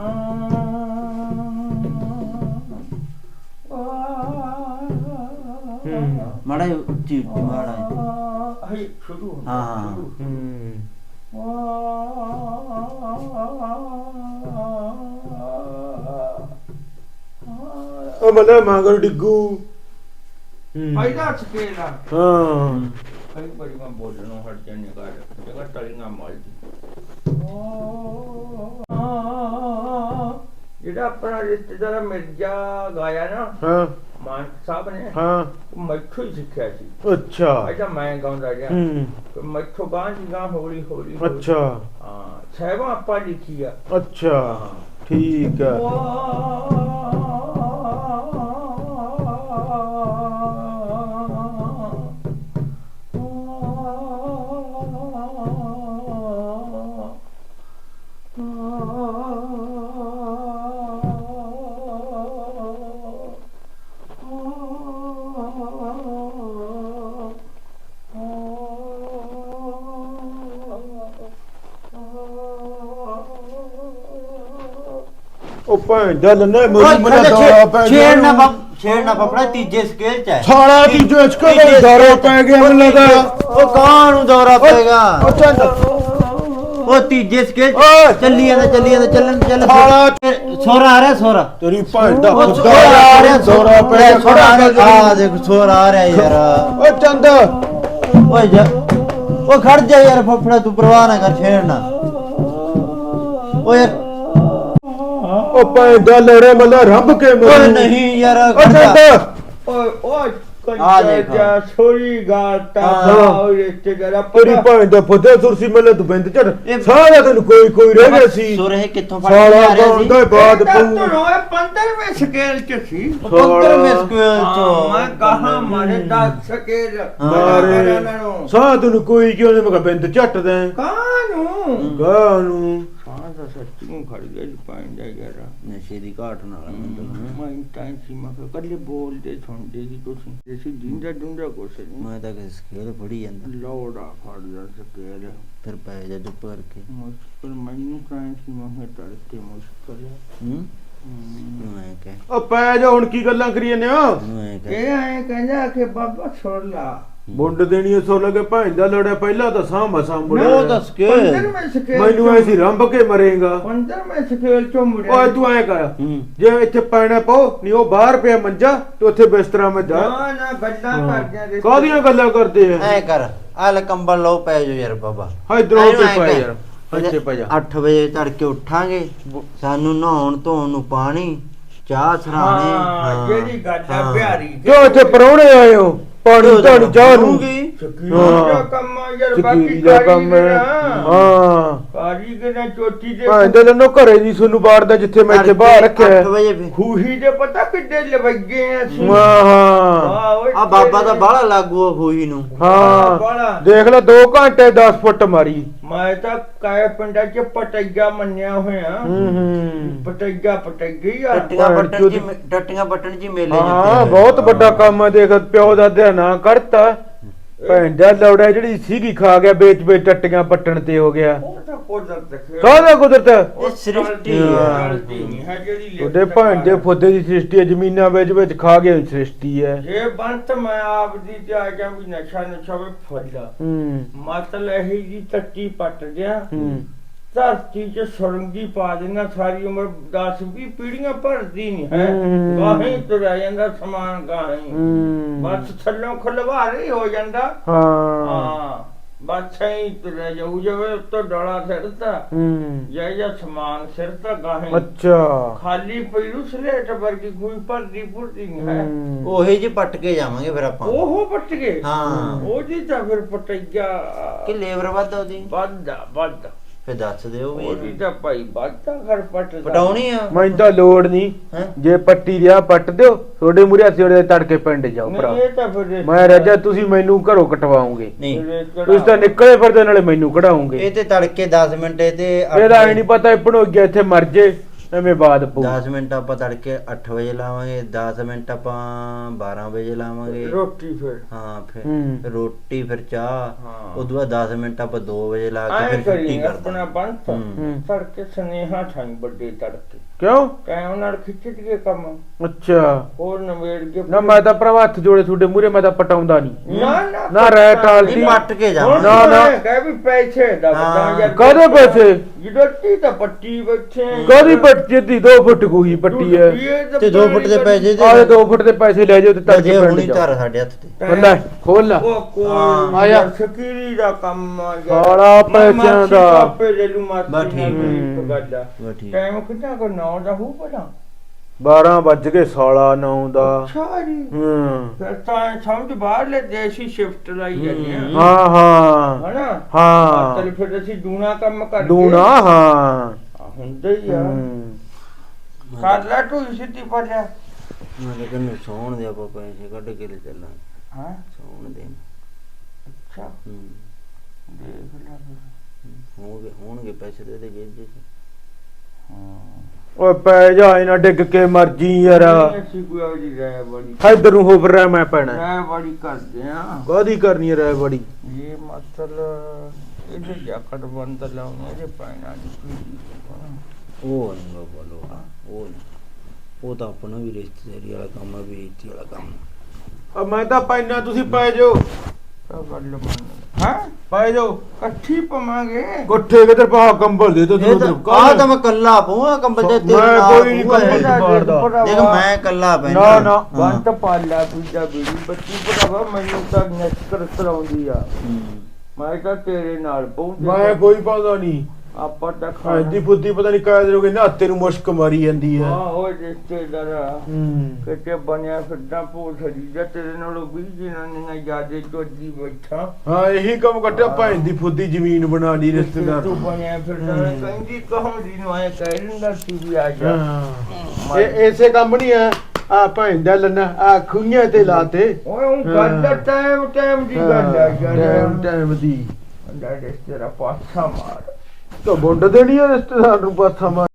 C: ਮਾੜਾ ਜਿਹਾ ਉੱਚੀ ਉੱਚੀ ਮਾੜਾ ਜਿਹਾ।
A: ਹਾਈ ਸ਼ੁਰੂ
C: ਹਾਂ, ਹਾਂ।
B: ਉਹ ਮਤਲਬ ਮੰਗਲ ਡਿੱਗੂ
A: ਫਾਇਦਾ ਸਕੇਲ ਆ
B: ਹਾਂ
A: ਕਈ ਬੜੀ ਮੈਂ ਬੋਲਣੋਂ ਹਟ ਜਾਣੇ ਕਰ ਜਗਾ ਟਲੀਆਂ ਮਾਲਦੀ ਜਿਹੜਾ ਆਪਣਾ ਰਿਸ਼ਤੇਦਾਰ ਮਿਰਜ਼ਾ ਗਾਇਆ ਨਾ
B: ਹਾਂ
A: ਮਾਨ ਸਾਹਿਬ ਨੇ
B: ਹਾਂ
A: ਉਹ ਮੈਥੋਂ ਹੀ ਸਿੱਖਿਆ ਸੀ
B: ਅੱਛਾ
A: ਅੱਛਾ ਮੈਂ ਗਾਉਂਦਾ ਰਿਹਾ
B: ਹੂੰ
A: ਮੈਥੋਂ ਗਾਂ ਜੀ ਗਾਂ ਹੌਲੀ ਹੌਲੀ
B: ਅੱਛਾ
A: ਹਾਂ ਸਹਿਬਾਂ ਆਪਾਂ ਲਿਖੀ ਆ
B: ਅੱਛਾ ਠੀਕ ਹੈ ਉਹ ਭੈਣ ਦਾ ਲੰਨਾ ਮੇਰੀ ਮਨਾ ਦਾਰਾ ਪੈ ਗਿਆ
C: ਛੇੜਨਾ ਫਫੜਾ ਤੀਜੇ ਸਕੇਲ ਚ ਹੈ
B: ਸਾਲਾ ਤੀਜੇ ਸਕੇਲ ਦਾ ਦਾਰਾ ਪੈ ਗਿਆ ਮੈਨੂੰ ਲੱਗਾ
C: ਉਹ ਕਾਂ ਨੂੰ ਦੌਰਾ ਪਏਗਾ
B: ਉਹ ਚੰਦ
C: ਉਹ ਤੀਜੇ ਸਕੇਲ
B: ਓਏ।
C: ਚੱਲੀ ਜਾਂਦਾ ਚੱਲ
B: ਸਾਲਾ
C: ਸੋਰਾ ਆ ਰਿਹਾ ਸੋਰਾ
B: ਤੇਰੀ ਭੈਣ ਦਾ
C: ਉਹ
B: ਖੁਦਾ
C: ਸੋਰਾ ਆ ਰਿਹਾ
B: ਦਾਰਾ ਪੈ ਗਿਆ
C: ਸੋਰਾ ਆ ਰਿਹਾ ਦੇਖ ਸੋਰਾ ਆ ਰਿਹਾ ਯਾਰ
B: ਉਹ ਚੰਦ
C: ਓਏ ਜਾ ਉਹ ਖੜ ਜਾ ਯਾਰ ਫਫੜਾ ਤੂੰ ਪਰਵਾਹ ਨਾ ਕਰ ਛੇੜਨਾ ਓਏ
B: ਉਹ ਭੈਣ ਦਾ ਲੜੇ ਮੱਲਾ ਰੱਬ ਕੇ
C: ਓਏ
B: ਮਰੂ
C: ਨਹੀਂ ਯਾਰ
B: ਉਹ ਚੰਦ
A: ਓਏ ਓਏ
C: ਆ ਦੇਖ।
A: ਕੰਜਾ ਛੋਰੀ ਗਾਤਾ
C: ਹਾਂ।
A: ਓਏ ਰਿਸ਼ਤੇਦਾਰ
B: ਤੇਰੀ ਭੈਣ ਦਾ ਫੁੱਦੇ ਸੁਰਸੀ ਮੱਲੇ ਤੂੰ ਬਿੰਦ ਚੜ
C: ਇਹ-
B: ਸਾਰਾ ਤੈਨੂੰ ਕੋਈ ਰਹਿ ਗਿਆ ਸੀ
C: ਸੋਰੇ ਕਿੱਥੋਂ ਫੜ ਕੇ
B: ਸਾਲਾ
C: ਆ ਰਿਹਾ ਸੀ
B: ਗਾਉਂਦਾ ਬਾਦ
A: ਤੂੰ
B: ਪਊ
A: ਰੋਏ 15ਵੇਂ ਸਕੇਲ ਚ ਸੀ
C: 15ਵੇਂ ਸਕੇਲ
A: ਹਾਂ,
C: ਚੋਂ
A: ਮੈਂ ਕਹਾ ਮਾਰੇ 10 ਸਕੇਲ
B: ਮਾਰੇ ਸਾਹ ਤੈਨੂੰ ਕੋਈ ਕਿਉਂ ਨਹੀਂ ਮੈਂ ਕਿਹਾ ਬਿੰਦ ਝੱਟ ਦੇ
A: ਕਾਨੂੰ
B: ਗਾਨੂੰ
A: ਸਾਹ ਦਾ ਸੱਚੀ ਨੂੰ ਖੜ ਗਿਆ ਜੀ ਪਾਇੰਦਾ ਯਾਰ
C: ਨਸ਼ੇ ਦੀ ਘਾਟ ਨਾਲ
A: ਮੈਂ ਟਾਈਮ ਸੀ ਮੈਂ ਕਿਹਾ ਕੱਲੇ ਬੋਲਦੇ ਸੁਣਦੇ ਸੀ ਤੁਸੀਂ ਅਸੀਂ ਜਿੰਦਾ ਡੁੰਡਾ ਕੁਛ ਨਹੀਂ
C: ਮੈਂ ਤਾਂ ਕਿਸੇ ਸਕੇਲ ਫੜੀ ਜਾਂਦਾ
A: ਲੋੜਾ ਫੜਦਾ ਸਕੇਲ
C: ਫਿਰ ਪੈ ਜਾ ਚੁੱਪ ਕਰਕੇ
A: ਮੁਸ਼ਕਲ ਮੈਨੂੰ ਟਾਈਮ ਸੀ ਮੈਂ ਕਿਹਾ ਤੜਕੇ ਮੁਸ਼ਕਲ ਹੈ
C: ਮੈਂ ਕਹਿ
B: ਉਹ ਪੈ ਜਾ ਹੁਣ ਕੀ ਗੱਲਾਂ ਕਰੀ ਜਾਂਦੇ ਹੋ
C: ਮੈਂ ਕਹਿ
A: ਇਹ ਐਂ ਕਹਿੰਦਾ ਕਿ ਬਾਬਾ ਛੋੜ ਲਾ
B: ਮੁੰਡ ਦੇਣੀ ਸੋ ਲਗੇ ਭੈਣ ਦਾ ਲੜਿਆ ਪਹਿਲਾਂ ਤਾਂ ਸਾਹ ਮਸਾਂ ਮੁੜਿਆ
C: ਉਹ ਦੱਸ ਕੇ
A: 15ਵੇਂ ਸਕੇਲ
B: ਮੈਨੂੰ ਐਸੀ ਰੰਭ ਕੇ ਮਰੇਗਾ
A: 15ਵੇਂ ਸਕੇਲ ਚੋਂ ਮੁੜਿਆ
B: ਓਏ ਤੂੰ ਐ ਕਰ ਜੇ ਇੱਥੇ ਪੈਣਾ ਪਾਓ ਨਹੀਂ ਉਹ ਬਾਹਰ ਪਿਆ ਮੰਜਾ ਤੇ ਉੱਥੇ ਬਿਸਤਰਾ ਮੈਂ ਜਾ
A: ਨਾ ਨਾ ਗੱਲਾਂ ਕਰਦਿਆਂ ਦੇ
B: ਕਾਹਦੀਆਂ ਗੱਲਾਂ ਕਰਦੇ ਆ
C: ਐ ਕਰ ਆ ਲੈ ਕੰਬਲ ਲਓ ਪੈ ਜਾ ਯਾਰ ਬਾਬਾ
B: ਹਾਂ ਇਧਰੋਂ ਤੇ ਪੈ ਯਾਰ ਇੱਥੇ ਪੈ ਜਾ
C: 8 ਵਜੇ ਤੜਕੇ ਉੱਠਾਂਗੇ ਸਾਨੂੰ ਨਹਾਉਣ ਧੋਣ ਨੂੰ ਪਾਣੀ ਚਾਹ ਸਰਾਣੇ
A: ਹਾਂ ਜਿਹੜੀ ਗੱਲ ਹੈ
C: ਹਾਂ।
A: ਪਿਆਰੀ
B: ਜੋ ਇੱਥੇ ਪਰੌਣੇ ਆਏ ਹੋ ਪਾਣੀ ਧਾਣੀ ਚਾਹ ਨੂੰ
A: ਸਕੀਰੀ ਦਾ ਕੰਮ ਆ ਯਾਰ ਬਾਕੀ
B: ਸਕੀਰੀ ਦਾ ਕੰਮ ਹੈ ਹਾਂ
A: ਕਾਰੀਗਰ ਨੇ ਚੋਟੀ ਦੇ
B: ਭਾਂ ਦੇ ਲੰਨੋ ਘਰੇ ਦੀ ਸੁਨੂੰ ਬਾੜਦਾ ਜਿੱਥੇ ਮੈਂ ਇੱਥੇ ਬਾਹਰ ਰੱਖਿਆ
C: 8 ਵਜੇ ਫਿਰ
A: ਖੂਹੀ ਦੇ ਪਤਾ ਕਿੱਡੇ ਲਵੱਗੇ ਆ ਅਸੀਂ
B: ਹਾਂ
A: ਓਏ
C: ਆ ਬਾਬਾ ਦਾ ਬਾਹਲਾ ਲਾਗੂ ਆ ਖੂਹੀ ਨੂੰ
B: ਹਾਂ ਦੇਖ ਲੈ 2 ਘੰਟੇ 10 ਫੁੱਟ ਮਾਰੀ
A: ਮੈਂ ਤਾਂ ਕਾਇ ਪਿੰਡਾਂ ਚ ਪਟਈਆ ਮੰਨਿਆ ਹੋਇਆ
B: ਹੂੰ
A: ਪਟਈਆ ਆ
C: ਟੱਟੀਆਂ ਪੱਟਣ ਜੀ ਮੇਲੇ
B: ਹਾਂ ਬਹੁਤ ਵੱਡਾ ਕੰਮ ਹੈ ਦੇਖ ਪਿਓ ਦਾ ਨਾਂ ਕੱਢਤਾ ਭੈਣ ਦਾ ਲੌੜਾ ਜਿਹੜੀ ਸੀਗੀ ਖਾ ਗਿਆ ਵੇਚ ਵੇਚ ਟੱਟੀਆਂ ਪੱਟਣ ਤੇ ਹੋ ਗਿਆ
A: ਉਹ ਤਾਂ ਕੁਦਰਤ ਦੇਖਿਆ
B: ਕਾਹਦਾ ਕੁਦਰਤ
C: ਇਹ ਸ੍ਰਿਸ਼ਟੀ
B: ਹਾਂ।
A: ਗਲਤੀ ਨਹੀਂ ਹੈ ਜਿਹੜੀ
B: ਉਹਦੇ ਭੈਣ ਦੇ ਫੁੱਦੇ ਦੀ ਸ੍ਰਿਸ਼ਟੀ ਹੈ ਜ਼ਮੀਨਾਂ ਵਿੱਚ ਖਾ ਗਏ ਸ੍ਰਿਸ਼ਟੀ ਹੈ
A: ਜੇ ਬੰਤ ਮੈਂ ਆਪ ਦੀ ਤੇ ਆ ਗਿਆ ਵੀ ਨਸ਼ਾ ਵੇ ਫੜਦਾ
B: ਹੂੰ
A: ਮਤਲਬ ਇਹੀ ਜੀ ਟੱਟੀ ਪੱਟ ਗਿਆ
B: ਹੂੰ
A: ਧਰਤੀ ਚ ਸੁਰੰਗੀ ਪਾ ਦੇਣਾ ਸਾਰੀ ਉਮਰ 10-20 ਪੀੜੀਆਂ ਭਰਦੀ ਨਹੀਂ ਹੈ
B: ਹੂੰ।
A: ਗਾਹੀਂ ਤੁਰਿਆ ਜਾਂਦਾ ਸਮਾਨ ਗਾਹੀਂ
B: ਹੂੰ
A: ਬਸ ਥੱਲੋਂ ਖਲਵਾਰ ਹੀ ਹੋ ਜਾਂਦਾ
B: ਹਾਂ
A: ਹਾਂ ਬਸ ਐਂ ਤੁਰਿਆ ਜਾਊ ਜਾਵੇ ਉੱਤੋਂ ਡੋਲਾ ਸਿਰਤਾ
B: ਹੂੰ
A: ਜਾਂ ਸਮਾਨ ਸਿਰਤਾ ਗਾਹੀਂ
B: ਅੱਛਾ
A: ਖਾਲੀ ਪਈਰੂ ਸਲੇਟ ਵਰਗੀ ਕੋਈ ਭਰਦੀ ਭੁਰਦੀ ਨਹੀਂ ਹੈ
B: ਹੂੰ।
C: ਉਹੇ ਜੀ ਪੱਟ ਕੇ ਜਾਵਾਂਗੇ ਫਿਰ ਆਪਾਂ
A: ਉਹ ਪੱਟ ਗਏ
C: ਹਾਂ
A: ਉਹਦੀ ਤਾਂ ਫਿਰ ਪਟਈਆ
C: ਕਿ ਲੇਬਰ ਵੱਧ ਉਹਦੀ
A: ਵੱਧ
C: ਫਿਰ ਦੱਸ ਦਿਓ
A: ਉਹਦੀ
C: ਵੀ
A: ਤਾਂ ਭਾਈ ਵੱਧਾ ਘਰ ਪੱਟਦਾ
C: ਪਟਾਉਣੀ ਆ
B: ਮੈਨੂੰ ਤਾਂ ਲੋੜ ਨਹੀਂ
C: ਹੈਂ?
B: ਜੇ ਪੱਟੀ ਰਿਆ ਪੱਟ ਦਿਓ ਤੁਹਾਡੇ ਮੂਰੇ ਅਸੀਂ ਉਹਦੇ ਤੜਕੇ ਪਿੰਡ ਜਾਓ ਭਰਾ
A: ਨਹੀਂ ਇਹ ਤਾਂ ਫਿਰ
B: ਮੈਂ ਰਾਜਾ ਤੁਸੀਂ ਮੈਨੂੰ ਘਰੋਂ ਕਟਵਾਓਗੇ
C: ਨਹੀਂ
B: ਤੁਸੀਂ ਤਾਂ ਨਿਕਲੇ ਫਿਰਦੇ ਨਾਲੇ ਮੈਨੂੰ ਕਢਾਓਗੇ
C: ਇਹ ਤੇ ਤੜਕੇ 10 ਮਿੰਟ ਇਹ ਤੇ
B: ਇਹਦਾ ਐ ਨਹੀਂ ਪਤਾ ਭਣੋ ਗਿਆ ਇੱਥੇ ਮਰ ਜੇ ਐਵੇਂ ਬਾਦ ਪਊ
C: 10 ਮਿੰਟ ਆਪਾਂ ਤੜਕੇ 8 ਵਜੇ ਲਾਵਾਂਗੇ 10 ਮਿੰਟ ਆਪਾਂ 12 ਵਜੇ ਲਾਵਾਂਗੇ
A: ਰੋਟੀ ਫਿਰ
C: ਹਾਂ ਫਿਰ
B: ਹੂੰ।
C: ਰੋਟੀ ਫਿਰ ਚਾਹ
A: ਹਾਂ।
C: ਉਦੋਂ ਬਾਅਦ 10 ਮਿੰਟ ਆਪਾਂ 2 ਵਜੇ ਲਾ ਕੇ
A: ਐ
C: ਫਿਰ ਛੁੱਟੀ
A: ਕਰੀ
C: ਕਰਦੇ
A: ਆਪਣਾ ਬੰਤ
C: ਹੂੰ।
A: ਤੜਕੇ ਸੁਨੇਹਾ ਠਾਈ ਵੱਡੇ ਤੜਕੇ
B: ਕਿਉਂ?
A: ਟਾਈਮ ਨਾਲ ਖਿੱਚ ਕੇ ਕੰਮ
B: ਅੱਛਾ
A: ਹੋਰ ਨਵੇੜ ਕੇ
B: ਨਾ ਮੈਂ ਤਾਂ ਭਰਾਵਾ ਹੱਥ ਜੋੜੇ ਤੁਹਾਡੇ ਮੂਹਰੇ ਮੈਂ ਤਾਂ ਪਟਾਉਂਦਾ ਨਹੀਂ ਨਾ ਰਹਿ ਟਾਲਦੀ
C: ਨਹੀਂ ਪੱਟ ਕੇ ਜਾ
B: ਨਾ ਨਾ
A: ਕਹਿ ਵੀ ਪੈਸੇ ਦਾ
C: ਹਾਂ।
A: ਯਾਰ
B: ਕਾਹਦੇ ਪੈਸੇ?
A: ਜਿੱਡੀ ਤਾਂ ਪੱਟੀ ਬੈਠੇ
B: ਕਾਹਦੀ ਪੱਟੀ ਦੀ 2 ਫੁੱਟ ਕੋਈ ਪੱਟੀ ਹੈ
C: ਤੇ 2 ਫੁੱਟ ਦੇ ਪੈਸੇ
B: ਆਹ
C: ਦੇ
B: 2 ਫੁੱਟ ਦੇ ਪੈਸੇ ਲੈ ਜਾਓ ਤੇ
C: ਜੇ
B: ਤੜਕੇ
C: ਹੁਣੀ
B: ਪਿੰਡ
C: ਧਰ
B: ਜਾਓ
C: ਸਾਡੇ ਹੱਥ ਤੇ
B: ਬੰਦਾ ਖੋਲ ਲਾ
A: ਉਹ ਕੋਲ
B: ਆਇਆ।
A: ਸ਼ਕੀਰੀ ਦਾ ਕੰਮ ਆ
B: ਸਾਲਾ ਪੈਸਿਆਂ ਦਾ।
A: ਆਪੇ ਲੈ ਲੂ ਮਾਰ
C: ਬਸ ਠੀਕ
B: ਹੈ।
A: ਗੱਡਾ
C: ਬਸ ਠੀਕ
A: ਟਾਈਮ ਕਿੰਨਾ ਕੋ 9 ਦਾ ਹੋ ਪੜਾ
B: 12 ਵੱਜ ਗਏ ਸਾਲਾ 9 ਦਾ
A: ਸਾਰੀ ਫਿਰ ਤਾਂ ਸਮਝ ਬਾਹਰ ਲੈ ਦੇਸੀ ਸ਼ਿਫਟ ਲਾਈ ਜਾਂਦੇ ਆ
B: ਹਾਂ ਹਾਂ
A: ਹਨਾ
B: ਹਾਂ
A: ਚੱਲ ਫਿਰ ਅਸੀਂ ਦੂਣਾ ਕੰਮ ਕਰਕੇ
B: ਦੂਣਾ ਹਾਂ
A: ਹੁੰਦਾ ਹੀ ਆ ਕਰ ਲੈ ਤੂੰ ਸਿੱਧੀ ਪਰ ਜਾ
C: ਮੈਂ ਤਾਂ ਤੈਨੂੰ ਸੌਣ ਦੇ ਆਪਾਂ ਪੈਸੇ ਕੱਢ ਕੇ ਲੈ ਚੱਲਾਂ
A: ਹਾਂ
C: ਸੌਣ ਦੇ
A: ਅੱਛਾ ਦੇਖ ਲੈ
C: ਹੋਣਗੇ ਪੈਸੇ ਦੇ ਦੇ ਜੇਬ ਚ
B: ਓਏ ਪੈ ਜਾ ਇਹਨਾਂ ਡਿੱਗ ਕੇ ਮਰ ਜੀ ਯਾਰ
A: ਅਸੀਂ ਕੋਈ ਆ ਜੀ ਰਹਿ ਬੜੀ
B: ਇਧਰ ਨੂੰ ਹੋ ਰਿਹਾ ਮੈਂ ਪੈਣਾ
A: ਰਹਿ ਬੜੀ ਕਰਦੇ ਆ
B: ਕਾਹਦੀ ਕਰਨੀ ਰਹਿ ਬੜੀ
A: ਇਹ ਮਸਲ ਇਹਦੇ ਜਾਕਟ ਬੰਦ ਲਾਉਣੇ ਇਹਦੇ ਪੈਣਾ
C: ਉਹ ਨਹੀਂ ਬੋਲੋ ਉਹ ਨਹੀਂ ਉਹ ਤਾਂ ਆਪਣਾ ਵੀ ਰਿਸ਼ਤੇਦਾਰੀ ਵਾਲਾ ਕੰਮ ਆ ਬੇਇੱਜ਼ਤੀ ਵਾਲਾ ਕੰਮ
B: ਮੈਂ ਤਾਂ ਪੈਣਾ ਤੁਸੀਂ ਪੈ ਜਾਓ
A: ਹਾਂ
B: ਪੈ ਜਾਓ
A: ਇਕੱਠੀ ਪਵਾਂਗੇ
B: ਕੋਠੇ ਕਿਧਰ ਪਾ ਕੰਬਲ ਦੇ ਦੋ
C: ਆਹ ਤਾਂ ਮੈਂ ਕੱਲਾ ਪਊਂਗਾ ਕੰਬਲ ਤੇ ਤੇਰੇ
B: ਮੈਂ
C: ਨਾਲ
B: ਕੋਈ ਨਹੀਂ
C: ਪਊਂਗਾ
B: ਕੰਬਲ
C: ਇਹ।
B: ਮਾਰਦਾ
C: ਦੇਖ ਮੈਂ ਕੱਲਾ ਪੈਣਾ
B: ਨਾ ਨਾ
A: ਬੰਤ ਪਾਲਾ ਦੂਜਾ ਬੀੜੀ ਬੱਚੀ ਭਰਾਵਾ ਮੈਨੂੰ ਤਾਂ ਨਸ਼ਕਰ ਕਰਾਉਂਦੀ ਆ ਮੈਂ ਤਾਂ ਤੇਰੇ ਨਾਲ ਪਹੁੰਚ
B: ਮੈਂ ਕੋਈ ਪਾਉਂਦਾ ਨਹੀਂ
A: ਆਪਾਂ ਤਾਂ
B: ਖਾਂਦੀ ਫੁੱਦੀ ਪਤਾ ਨਹੀਂ ਕਾਇਦ ਰੋਗੇ ਨਾ ਤੇਰੇ ਮੁਸ਼ਕ ਮਾਰੀ ਜਾਂਦੀ ਹੈ
A: ਹਾਂ ਉਹ ਰਿਸ਼ਤੇਦਾਰਾ
B: ਹੂੰ
A: ਕਿਤੇ ਬਣਿਆ ਫਿਰਦਾ ਭੋਸੜੀ ਜਾਂ ਤੇਰੇ ਨਾਲੋਂ ਵੀ ਜਿਨ੍ਹਾਂ ਨੇ ਜਿਆਦੇ ਚੋਦੀ ਬੈਠਾ
B: ਹਾਂ ਇਹੀ ਕੰਮ ਕੱਟਿਆ ਭੈਣ ਦੀ ਫੁੱਦੀ ਜ਼ਮੀਨ ਬਣਾ ਲਈ ਰਿਸ਼ਤੇਦਾਰ
A: ਤੂੰ ਬਣਿਆ ਫਿਰਦਾ ਕਹਿੰਦੀ ਕਹੋਂਦੀ ਨੂੰ ਆਏ ਕਹਿ ਦਿੰਦਾ ਸੀ ਵੀ ਆ ਜਾ
B: ਹਾਂ ਇਹ ਐਸੇ ਕੰਮ ਨਹੀਂ ਹੈ ਆ ਭੈਣ ਦਾ ਲੰਨਾ ਆ ਖੁਈਆਂ ਤੇ ਲਾਤੇ
A: ਓਏ ਉਹ ਗੱਲ ਦਾ ਟਾਈਮ ਦੀ ਗੱਲ ਆ ਯਾਰ
B: ਟਾਈਮ ਦੀ
A: ਅੰਡਾ ਰਿਸ਼ਤੇਦਾਰਾ ਪਾਸਾ ਮਾਰ
B: ਤਾਂ ਬੁੰਡ ਦੇਣੀ ਹੈ ਰਿਸ਼ਤੇਦਾਰ ਨੂੰ ਪਾਥਾ ਮਾਰ